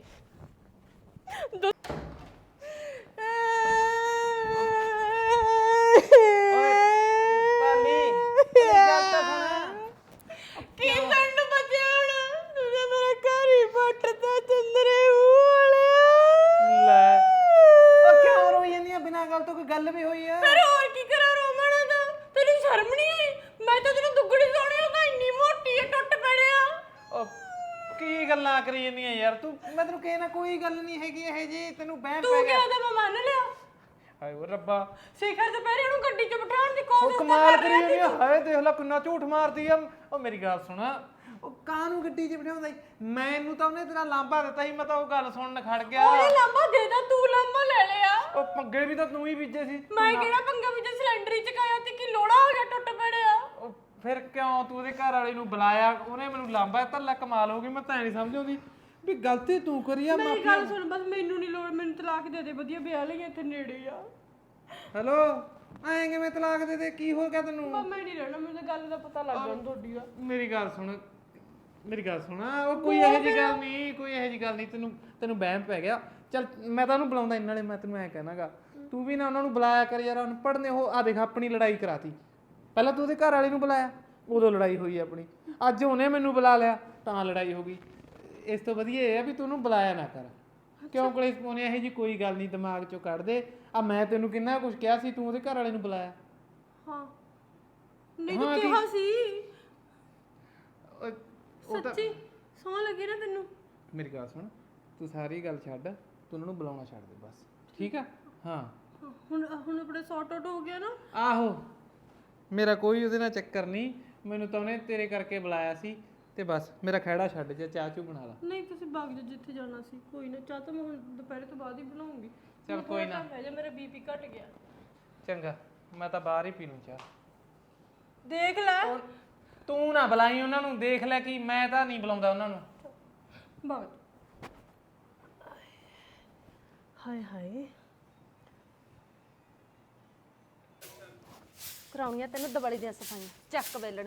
ਕੀ ਸਾਨੂੰ ਬਚਿਆ ਹੁਣ? ਤੂੰ ਤਾਂ ਮੇਰਾ ਘਰ ਹੀ ਪੱਟਦਾ ਚੰਦਰੇ ਮੂੰਹ ਵਾਲਿਆ। ਲੈ ਉਹ ਕਿਉਂ ਰੋਈ ਜਾਂਦੀ ਆ? ਬਿਨਾਂ ਗੱਲ ਤੋਂ ਕੋਈ ਗੱਲ ਵੀ ਹੋਈ ਆ? ਫਿਰ ਹੋਰ ਕੀ ਕਰਾਂ ਰੋਮਣਾ ਦਾ? ਤੈਨੂੰ ਸ਼ਰਮ ਨਹੀਂ ਆਈ? ਮੈਂ ਤਾਂ ਤੈਨੂੰ ਦੁੱਗੜੀ ਸੋਹਣੀ ਉਹ ਤਾਂ ਇੰਨੀ ਮੋਟੀ ਹੈ, ਟੁੱਟ ਪੜਿਆ। ਉਹ ਕੀ ਗੱਲਾਂ ਕਰੀ ਜਾਂਦੀਆਂ ਯਾਰ ਤੂੰ? ਮੈਂ ਤੈਨੂੰ ਕਹਿਣਾ ਕੋਈ ਗੱਲ ਨਹੀਂ ਹੈਗੀ ਇਹ ਜੀ, ਤੈਨੂੰ ਵਹਿਮ ਤੂੰ ਪੈ ਕਿਹਾ ਗਿਆ। ਤਾਂ ਮੈਂ ਮੰਨ ਲਿਆ। ਹਾਏ ਓ ਰੱਬਾ, ਸਿਖਰ ਦੁਪਹਿਰੇ ਉਹਨੂੰ ਗੱਡੀ 'ਚ ਬਿਠਾਉਣ ਦੀ ਉਹ ਕੋਸ਼ਿਸ਼ ਕਮਾਲ ਕਰੀ ਜਾਂਦੀ ਆ। ਹਾਏ ਦੇਖ ਲੈ ਕਿੰਨਾ ਝੂਠ ਮਾਰਦੀ ਆ। ਉਹ ਮੇਰੀ ਗੱਲ ਸੁਣ, ਉਹ ਕਾਹਨੂੰ ਗੱਡੀ 'ਚ ਬਿਠਾਉਂਦਾ ਈ? ਮੈਨੂੰ ਤਾਂ ਉਹਨੇ ਤੇਰਾ ਲਾਂਬਾ ਦਿੱਤਾ ਸੀ, ਮੈਂ ਤਾਂ ਉਹ ਗੱਲ ਸੁਣਨ ਖੜ ਗਿਆ। ਉਹਨੇ ਲਾਂਬਾ ਦੇਦਾ, ਤੂੰ ਲਾਂਬਾ ਲੈ ਲਿਆ। ਉਹ ਪੱਗੇ ਵੀ ਤਾਂ ਤੂੰ ਹੀ ਬੀਜੇ ਸੀ। ਮੈਂ ਕਿਹੜਾ ਪੰਗਾ ਵਿੱਚ ਸਿਲੰਡਰ ਹੀ ਚਕਾਇਆ ਤੇ ਕੀ ਲੋੜਾ ਹੋ ਗਿਆ, ਟੁੱਟ ਪੜਿਆ। ਉਹ ਫਿਰ ਕਿਉਂ ਤੂੰ ਉਹਦੇ ਘਰ ਵਾਲੇ ਨੂੰ ਬੁਲਾਇਆ? ਉਹਨੇ ਮੈਨੂੰ ਲਾਂਬਾ ਦਿੱਤਾ। ਲੈ ਕਮਾਲ ਹੋ ਗਈ, ਮੈਂ ਤਾਂ ਨਹੀਂ ਸਮਝ ਆਉਂਦੀ ਵੀ ਗਲਤੀ ਤੂੰ ਕਰੀ ਆ। ਮੇਰੀ ਗੱਲ ਸੁਣ, ਬਸ ਮੈਨੂੰ ਨਹੀਂ ਲੋੜ, ਮੈਨੂੰ ਤਲਾਕ ਦੇ ਦੇ, ਵਧੀਆ ਵਿਆਹ ਲਈ ਇੱਥੇ ਨੇੜੇ ਆ। ਹੈਲੋ, ਐਂ ਕਿਵੇਂ ਤਲਾਕ ਦੇ ਦੇ? ਕੀ ਹੋ ਗਿਆ ਤੈਨੂੰ? ਮੈਂ ਨਹੀਂ ਰਹਿਣਾ, ਮੈਨੂੰ ਤਾਂ ਗੱਲ ਦਾ ਪਤਾ ਲੱਗ ਗਿਆ ਤੁਹਾਡੀ ਦਾ। ਮੇਰੀ ਗੱਲ ਸੁਣ, ਮੇਰੀ ਗੱਲ ਸੁਣ। ਉਹ ਕੋਈ ਇਹੋ ਜਿਹੀ ਗੱਲ ਨਹੀਂ, ਕੋਈ ਇਹੋ ਜਿਹੀ ਗੱਲ ਨਹੀਂ। ਤੈਨੂੰ ਤੈਨੂੰ ਵਹਿਮ ਪੈ ਗਿਆ। ਚੱਲ ਮੈਂ ਤਾਂ ਉਹਨੂੰ ਬੁਲਾਉਂਦਾ ਇਹਨਾਂ ਨਾਲੇ ਮੈਂ ਤੈਨੂੰ ਐਂ ਕਹਿਣਾਗਾ, ਤੂੰ ਵੀ ਨਾ ਉਹਨਾਂ ਨੂੰ ਬੁਲਾਇਆ ਕਰ ਯਾਰ। ਅਨਪੜ੍ਹ ਨੇ ਉਹ। ਆ ਦੇਖ ਆਪਣੀ ਲੜਾਈ ਕਰਾਤੀ। ਪਹਿਲਾਂ ਤੂੰ ਉਹਦੇ ਘਰ ਵਾਲੇ ਨੂੰ ਬੁਲਾਇਆ, ਉਦੋਂ ਲੜਾਈ ਹੋਈ ਆਪਣੀ। ਅੱਜ ਉਹਨੇ ਮੈਨੂੰ ਬੁਲਾ ਲਿਆ ਤਾਂ ਲੜਾਈ ਹੋ ਗਈ। ਇਸ ਤੋਂ ਵਧੀਆ ਇਹ ਆ ਵੀ ਤੂੰ ਉਹਨੂੰ ਬੁਲਾਇਆ ਨਾ ਕਰ। ਕਿਉਂ ਕਲੇਸ਼ ਪਾਉਣੇ? ਇਹੋ ਜਿਹੀ ਕੋਈ ਗੱਲ ਨਹੀਂ, ਦਿਮਾਗ ਚੋਂ ਕੱਢ ਦੇ। ਆ ਮੈਂ ਤੈਨੂੰ ਕਿੰਨਾ ਕੁਝ ਕਿਹਾ ਸੀ, ਤੂੰ ਉਹਦੇ ਘਰ ਵਾਲੇ ਨੂੰ ਬੁਲਾਇਆ। ਹਾਂ ਨਹੀਂ ਤੂੰ ਕਿਹਾ ਸੀ ਉਹ ਤਾਂ ਸੱਚੀ ਸੌਂ ਲੱਗੀ ਨਾ ਤੈਨੂੰ। ਮੇਰੀ ਗੱਲ ਸੁਣ, ਤੂੰ ਸਾਰੀ ਗੱਲ ਛੱਡ, ਤੂੰ ਉਹਨਾਂ ਨੂੰ ਬੁਲਾਉਣਾ ਛੱਡ ਦੇ ਬਸ, ਠੀਕ ਆ? ਹਾਂ ਹੁਣ ਹੁਣ ਆਪਣੇ ਸੌਟ ਆਊਟ ਹੋ ਗਿਆ ਨਾ। ਆਹੋ, ਮੇਰਾ ਕੋਈ ਉਹਦੇ ਨਾਲ ਚੱਕਰ ਨਹੀਂ। ਮੈਨੂੰ ਤਾਂ ਉਹਨੇ ਤੇਰੇ ਕਰਕੇ ਬੁਲਾਇਆ ਸੀ ਤੇ ਬਸ ਮੇਰਾ ਖਹਿੜਾ ਛੱਡ ਜਾ, ਚਾਹ ਚੂ ਬਣਾ ਲਾ। ਨਹੀਂ ਤੁਸੀਂ ਬਾਗ ਜਾ ਜਿੱਥੇ ਜਾਣਾ ਸੀ। ਕੋਈ ਨਾ, ਚਾਹ ਤਾਂ ਮੈਂ ਹੁਣ ਦੁਪਹਿਰੇ ਤੋਂ ਬਾਅਦ ਹੀ ਬਣਾਉਂਗੀ। ਚੱਲ ਕੋਈ ਨਾ, ਜਾ ਮੇਰਾ ਬੀਪੀ ਘਟ ਗਿਆ। ਚੰਗਾ ਮੈਂ ਤਾਂ ਬਾਹਰ ਹੀ ਪੀ ਲੂੰ ਚਾਹ। ਦੇਖ ਲੈ ਤੂੰ ਨਾ ਬੁਲਾਈ ਉਹਨਾਂ ਨੂੰ, ਦੇਖ ਲੈ ਕਿ ਮੈਂ ਤਾਂ ਨਹੀਂ ਬੁਲਾਉਂਦਾ ਉਹਨਾਂ ਨੂੰ। ਬਾਗ। ਹਾਏ ਹਾਏ, ਕਰਾਉਣੀਆਂ ਤੈਨੂੰ ਦਿਵਾਲੀ ਦੀਆਂ ਸਫਾਈਆਂ। ਚੱਕ ਵੇਲਣ।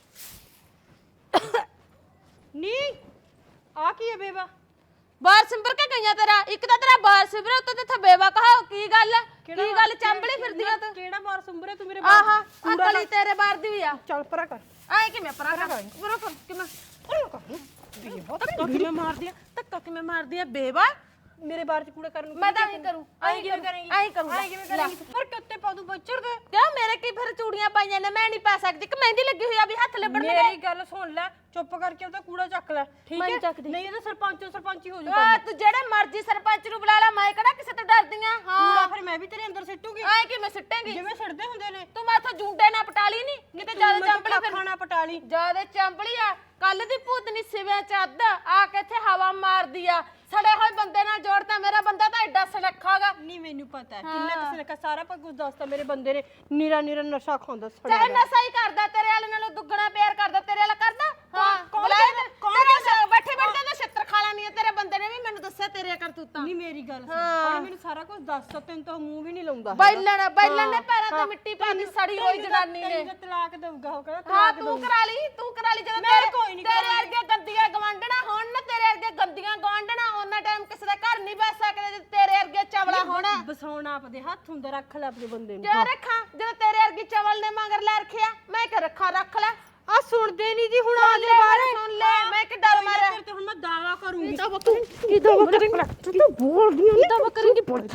ਨੀ ਆ ਕੀ ਹੈ ਬੇਵਾ? ਬਾਹਰ ਸਿੰਬਰ ਕੇ ਗਈਆਂ ਤੇਰਾ? ਇੱਕ ਤਾਂ ਤੇਰਾ ਬਾਹਰ ਸਿੰਬਰ, ਉੱਤੇ ਤੇ ਬੇਵਾ ਕਹਾ। ਕੀ ਗੱਲ ਹੈ? ਕੀ ਗੱਲ ਚੰਬਲੀ ਫਿਰਦੀਆਂ ਤੂੰ? ਕਿਹੜਾ ਬਾਰ ਸੁੰਬਰੇ ਤੂੰ ਮੇਰੇ ਆਹਾ ਅਕਲੀ ਤੇਰੇ ਬਾਹਰ ਦੀ ਵੀ ਆ। ਚੱਲ ਪਰਾ ਕਰ। ਆਏ ਕਿਵੇਂ ਪਰਾਂ ਕਰ? ਪਰਾਂ ਕਰ ਕਿਵੇਂ? ਧੱਕਾ ਕਿਵੇਂ ਮਾਰਦੀ ਆ? ਧੱਕਾ ਕਿਵੇਂ ਮਾਰਦੀ ਆ ਬੇਵਾ? ਮੇਰੇ ਬਾਰ ਚ ਕੂੜਾ ਕਰਨ ਨੂੰ ਮੈਂ ਤਾਂ ਐਂ ਕਰੂੰ। ਆਈ ਕਿਵੇਂ ਕਰੇਂਗੀ? ਆਈ ਕਰੂੰਗਾ। ਆਈ ਕਿਵੇਂ ਕਰੇਂਗੀ? ਪਰ ਕਿੱਤੇ ਪਾ ਦੂੰ ਬੱਚਰ ਦੇ। ਕਿਉਂ ਮੇਰੇ ਕੀ ਫਿਰ ਚੂੜੀਆਂ ਪਾਈਆਂ ਨੇ? ਮੈਂ ਨਹੀਂ ਪਾ ਸਕਦੀ ਕਿ ਮਹਿੰਦੀ ਲੱਗੀ ਹੋਈ ਆ ਵੀ ਹੱਥ ਲੱਭਣ ਦੇ? ਮੇਰੀ ਗੱਲ ਸੁਣ ਲੈ, ਚੁੱਪ ਕਰਕੇ ਉਹਦਾ ਕੂੜਾ ਚੱਕ ਲੈ, ਠੀਕ ਮੈਂ ਹੈ? ਨੀ ਚੱਕਦੀ। ਨਹੀਂ ਇਹਦਾ ਸਰਪੰਚੋ ਸਰਪੰਚੀ ਹੋ ਆ ਜਾਊਗਾ। ਤੂੰ ਜਿਹੜੇ ਮਰਜ਼ੀ ਸਰਪੰਚ ਨੂੰ ਬੁਲਾ ਲੈ, ਮੈਂ ਕਿਹੜਾ ਕਿਸੇ ਤੋਂ ਡਰਦੀ ਆ? ਕੂੜਾ ਹਾਂ ਫਿਰ ਮੈਂ ਵੀ ਤੇਰੇ ਅੰਦਰ ਸਿੱਟੂਗੀ, ਆਏ ਕਿਵੇਂ ਸਿੱਟੇਂਗੀ? ਜਿਵੇਂ ਸਿੱਟਦੇ ਹੁੰਦੇ ਨੇ। ਤੂੰ ਮੈਥੋਂ ਜੂੰਡੇ ਨਾ ਪਟਾਲੀ ਨਹੀਂ ਕਿਤੇ ਜਿਆਦਾ ਚੰਬਲੀ ਫਿਰ ਖਾਣਾ ਪਟਾਲੀ। ਜਿਆਦਾ ਚੰਬਲੀ ਆ। ਕੱਲ ਦੀ ਭੂਤਨੀ ਸਿਵਿਆਂ ਚ ਅੱਧ ਆ ਕੇ ਇੱਥੇ ਹਵਾ ਮਾਰਦੀ ਆ। ਸੜੇ ਹੋਏ ਬੰਦੇ ਨਾਲ ਜੋੜਤਾ। ਮੇਰਾ ਬੰਦਾ ਤਾਂ ਐਡਾ ਸਨੱਖਾਗਾ। ਨਹੀਂ ਮੈਨੂੰ ਪਤਾ ਹੈ ਕਿੰਨਾ ਕਿਸੇ ਨੇ ਕਹਾ, ਸਾਰਾ ਕੁਝ ਦੱਸਦਾ। ਮੇਰੇ ਬੰਦੇ ਨੇ ਨੀਰਾ ਨੀਰਾ ਨਸ਼ਾ ਖਾਂਦਾ ਚਾਹੇ ਸੜਿਆ। ਨਸ਼ਾ ਹੀ ਕਰਦਾ, ਤੇਰੇ ਵਾਲੇ ਨਾਲੋਂ ਦੁੱਗਣਾ ਪਿਆਰ ਕਰਦਾ। ਤੇਰੇ ਵਾਲਾ ਕਰਦਾ? ਹਾਂ ਕੌਣ ਬੁਲਾਇਆ ਕਹਿੰਦਾ? ਤੇ- ਤੇਰੇ ਨਾਲ ਬੈਠੇ ਬੈਠੇ ਤਾਂ ਛਿੱਤਰ ਖਾ ਲੈਣੀ ਆ। ਤੇਰੇ ਬੰਦੇ ਨੇ ਵੀ ਮੈਨੂੰ ਦੱਸਿਆ ਤੇਰੇ ਕਰਤੂਤਾਂ। ਨਹੀਂ ਮੇਰੀ ਗੱਲ ਸੁਣ, ਉਹਨੇ ਮੈਨੂੰ ਸਾਰਾ ਕੁਝ ਦੱਸਦਾ। ਤੈਨੂੰ ਤਾਂ ਮੂੰਹ ਵੀ ਨਹੀਂ ਲਾਉਂਦਾ। ਬੈਲਣ ਬੈਲਣ ਨੇ ਪੈਰਾਂ ਤੇ ਮਿੱਟੀ ਪਾਣੀ ਸੜੀ ਹੋਈ ਜਨਾਨੀ ਨੇ। ਤੈਨੂੰ ਤਲਾਕ ਦਊਗਾ ਉਹ ਕਹਿੰਦਾ। ਹਾਂ ਤੂੰ ਕਰਾ ਲਈ, ਤੂੰ ਕਰਾ ਲਈ। ਜਦੋਂ ਮੈਂ ਤੇਰੇ ਕੋਈ ਨੀ ਤੇਰੇ ਵਰਗੇ ਗੰਦੀਆਂ ਗਵਾਂਢਣਾ ਹੋਣ ਨਾ, ਤੇਰੇ ਵਰਗੇ ਗੰਦੀਆਂ ਗਵਾਂਢਣਾ ਉਹਨਾਂ ਟਾਈਮ ਕਿਸੇ ਦਾ ਘਰ ਨਹੀਂ ਬੈਠ ਸਕਦੇ ਜੇ ਤੇਰੇ ਵਰਗੇ ਚਵਲਾ ਹੋਣ। ਬਸਾਉਣਾ ਆਪਦੇ ਹੱਥ ਹੁੰਦਾ, ਰੱਖ ਲੈ ਆਪਣੇ ਬੰਦੇ ਨੂੰ। ਕਿਆ ਰੱਖਾਂ ਜਦੋਂ ਤੇਰੇ ਵਰਗੀ ਚਵਲ ਨੇ ਮਗਰ ਲੈ ਰੱਖਿਆ? ਮੈਂ ਕਿ ਰੱਖਾ ਰੱਖ ਲੈ। ਆ ਸੁਣਦੇ ਨਹੀਂ ਜੀ ਹੁਣ ਆ ਲੈ ਬਾਰੇ ਸੁਣ ਲੈ। ਮੈਂ ਕਿ ਡਰ ਮਾਰਿਆ ਤੇ ਹੁਣ ਮੈਂ ਦਾਵਾ ਕਰੂੰਗੀ। ਕੀ ਦਾਵਾ ਕਰੇਂਗੀ? ਤੂੰ ਤਾਂ ਬੋਲਦੀ ਕੀ ਦਾਵਾ ਕਰੇਂਗੀ? ਬੋਲ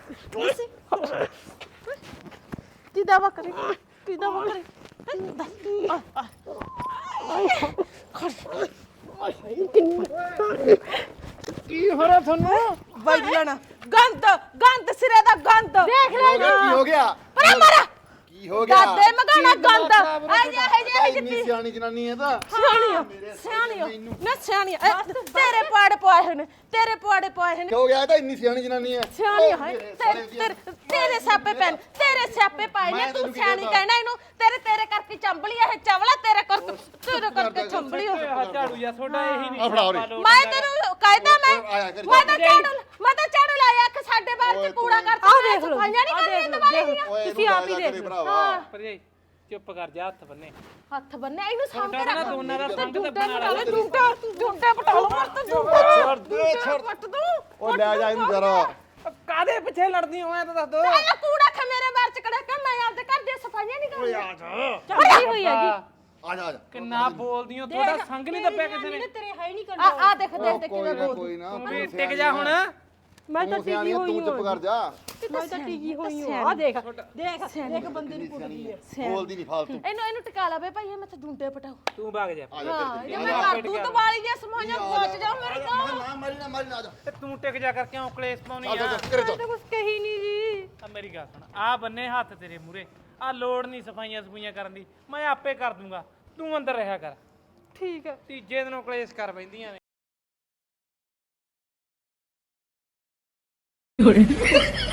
ਕੀ ਦਾਵਾ ਕਰੇਂਗੀ? ਕੀ ਦਾਵਾ ਕਰੇਂਗੀ? ਕੀ ਹੋ ਰਿਹਾ ਤੁਹਾਨੂੰ? ਬੈਲਣ ਗੰਦ ਗੰਦ ਸਿਰੇ ਦਾ ਗੰਦ ਦੇਖ ਲੈ ਕੀ ਹੋ ਗਿਆ? ਪਰੇ ਮਾਰਾ ਕੀ ਹੋ ਗਿਆ ਦਾਦੇ ਮਗਾਣਾ ਗੰਦ ਆ ਜਾ ਹੈ ਤਾਂ ਜੇ ਇੰਨੀ ਸਿਆਣੀ ਜਨਾਨੀ ਹੈ ਤਾਂ ਸਿਆਣੀ ਆ ਸਿਆਣੀ ਆ ਨਾ ਸਿਆਣੀ ਆ ਇਹ ਤੇਰੇ ਪਾੜੇ ਪਵਾਏ ਹੋਏ ਨੇ ਤੇਰੇ ਪਾੜੇ ਪਵਾਏ ਹੋਏ ਨੇ ਕਿਉਂ ਗਿਆ ਇਹ ਤਾਂ ਇੰਨੀ ਸਿਆਣੀ ਜਨਾਨੀ ਹੈ ਸਿਆਣੀ ਉਹ ਹੈ ਮੇਰੇ ਤੇਰੇ ਸਾਲੇ ਦੀ- ਤੇਰੇ- ਤੇਰੇ ਸਿਆਪੇ ਪੈਣ ਤੇਰੇ ਸਿਆਪੇ ਪਾਏ ਨੇ ਮੈਂ ਤੂੰ ਤੈਨੂੰ ਕੀ ਸਿਆਣੀ ਕਹਿੰਦਾ? ਕਹਿਣਾ ਇਹਨੂੰ ਤੇਰੇ ਤੇਰੇ ਕਰਕੇ ਚੰਬਲੀ ਇਹ ਚਵਲਾ ਤੇਰੇ ਕਰਕੇ ਤੇਰੇ ਕਰਕੇ ਚੰਬਲੀ ਉਹ ਆਹ ਝਾੜੂ ਜਾਂ ਤੁਹਾਡਾ ਇਹੀ ਨਹੀਂ ਆ ਫੜਾ ਉਰੇ। ਮੈਂ ਤੈਨੂੰ ਕਹਿਦਾ ਮੈਂ ਆਇਆ ਕਰੀ ਮੈਂ ਤਾਂ ਝਾੜੂ ਮੈਂ ਤਾਂ ਝਾੜੂ ਲਾਇਆ ਕਿ ਸਾਡੇ ਬਾਹਰ ਓਏ ਚ ਕੂੜਾ ਤੂੰ- ਕਰਤਾ ਮੈਂ ਸਫਾਈਆਂ ਨਹੀਂ ਕਰਨੀਆਂ ਦੁਬਾਰੇ ਦੀਆਂ ਓਏ ਤੁਸੀਂ ਆਪ ਹੀ ਦੇਖ ਲਓ। ਭਰਾਵਾ ਭਰਜਾਈ ਚੁੱਪ ਕਰ ਜਾ ਹੱਥ ਬੰਨੇ ਹੱਥ ਬੰਨੇ ਇਹਨੂੰ ਸਾਂਭ ਕੇ ਤੁਹਾਡਾ ਰੱਖ ਨਾ ਦੋਨਾਂ ਦਾ ਸੰਗ ਜੁੰਡੇ ਦੱਬਣ ਵਾਲਾ ਪਟਾ ਜੁੰਡੇ ਜੁੰਡੇ ਪਟਾ ਲਓ ਮਰ ਤੂੰ ਜੁੰਡੇ ਛੱਡ ਦੇ ਛੱਡ ਪੱਟ ਦੂੰ ਉਹ ਲੈ ਜਾ ਇਹਨੂੰ ਜਰਾ ਕਾਦੇ ਪਿੱਛੇ ਲੜਦੀ ਹੋ ਐ ਤਾਂ ਦੱਸ ਦੋ ਚੱਲ ਕੂੜਾ ਖਾ ਮੇਰੇ ਬਾਹਰ ਚ ਕੜਾ ਕੇ ਮੈਂ ਆਪਦੇ ਘਰ ਦੀਆਂ ਸਫਾਈਆਂ ਨਹੀਂ ਕਰਨੀਆਂ ਆ ਜਾ ਚੱਲੀ ਹੋਈ ਹੈਗੀ ਆ ਜਾ ਆ ਜਾ ਕਿੰਨਾ ਬੋਲਦੀ ਹੋ ਤੁਹਾਡਾ ਸੰਗ ਨਹੀਂ ਦੱਬਿਆ ਕਿਸੇ ਨੇ ਤੇਰੇ ਹੈ ਨਹੀਂ ਆ ਆ ਦੇਖ ਦੇਖ ਉਹ ਦੇਖ ਕੋਈ ਕਿਵੇਂ ਨਾ ਬੋਲਦੀ ਕੋਈ ਨਾ ਤੂੰ ਵੀ ਟਿਕ ਜਾ ਹੁਣ ਮੈਂ ਤਾਂ ਤੂੰ ਸਿਆਣੀ ਆ, ਤੂੰ ਚੁੱਪ ਕਰ ਜਾ ਮੈਂ ਤਾਂ ਟਿਕੀ ਹੋਈ ਹਾਂ ਆ ਦੇਖ ਦੇਖ ਦੇਖ ਬੰਦੇ ਨੂੰ ਕੁੱਟਦੀ ਹੈ ਬੋਲਦੀ ਨਹੀਂ ਫਾਲਤੂ ਇਹਨੂੰ ਇਹਨੂੰ ਟਿਕਾ ਲਾ ਬੇ ਭਾਈ ਇਹ ਮੈਥੇ ਜੁੰਡੇ ਪਟਾਓ ਤੂੰ ਭਾਗ ਜਾ ਆ ਜਾ ਹਾਂ ਜੇ ਮੈਂ ਕਰ ਦੂੰ ਤਵਾਲੀ ਦੀਆਂ ਸਮਾਈਆਂ ਪਹੁੰਚ ਜਾਓ ਮੇਰੇ ਕੋਲ ਨਾ ਮਾਰੀ ਨਾ ਮਾਰੀ ਨਾ ਆ ਜਾ ਤੇ ਤੂੰ ਟਿਕ ਜਾ ਕਰ ਕਿਉਂ ਕਲੇਸ਼ ਪਾਉਣੀ ਚੱਲ ਆ ਚੱਲ ਘਰੇ ਚੱਲ ਤਾਂ ਕੁਝ ਕਹੀ ਨਹੀਂ ਜੀ ਆ ਮੇਰੀ ਗੱਲ ਸੁਣ ਆ ਬੰਨੇ ਹੱਥ ਤੇਰੇ ਮੂਰੇ ਆ ਲੋੜ ਨਹੀਂ ਸਫਾਈਆਂ ਸਫੂਈਆਂ ਕਰਨ ਦੀ ਮੈਂ ਆਪੇ ਕਰ ਦੂੰਗਾ ਤੂੰ ਅੰਦਰ ਰਿਹਾ ਕਰ ਠੀਕ ਹੈ ਤੀਜੇ ਦਿਨੋਂ ਕਲੇਸ਼ ਕਰ ਬੈਂਦੀਆਂ ਨੇ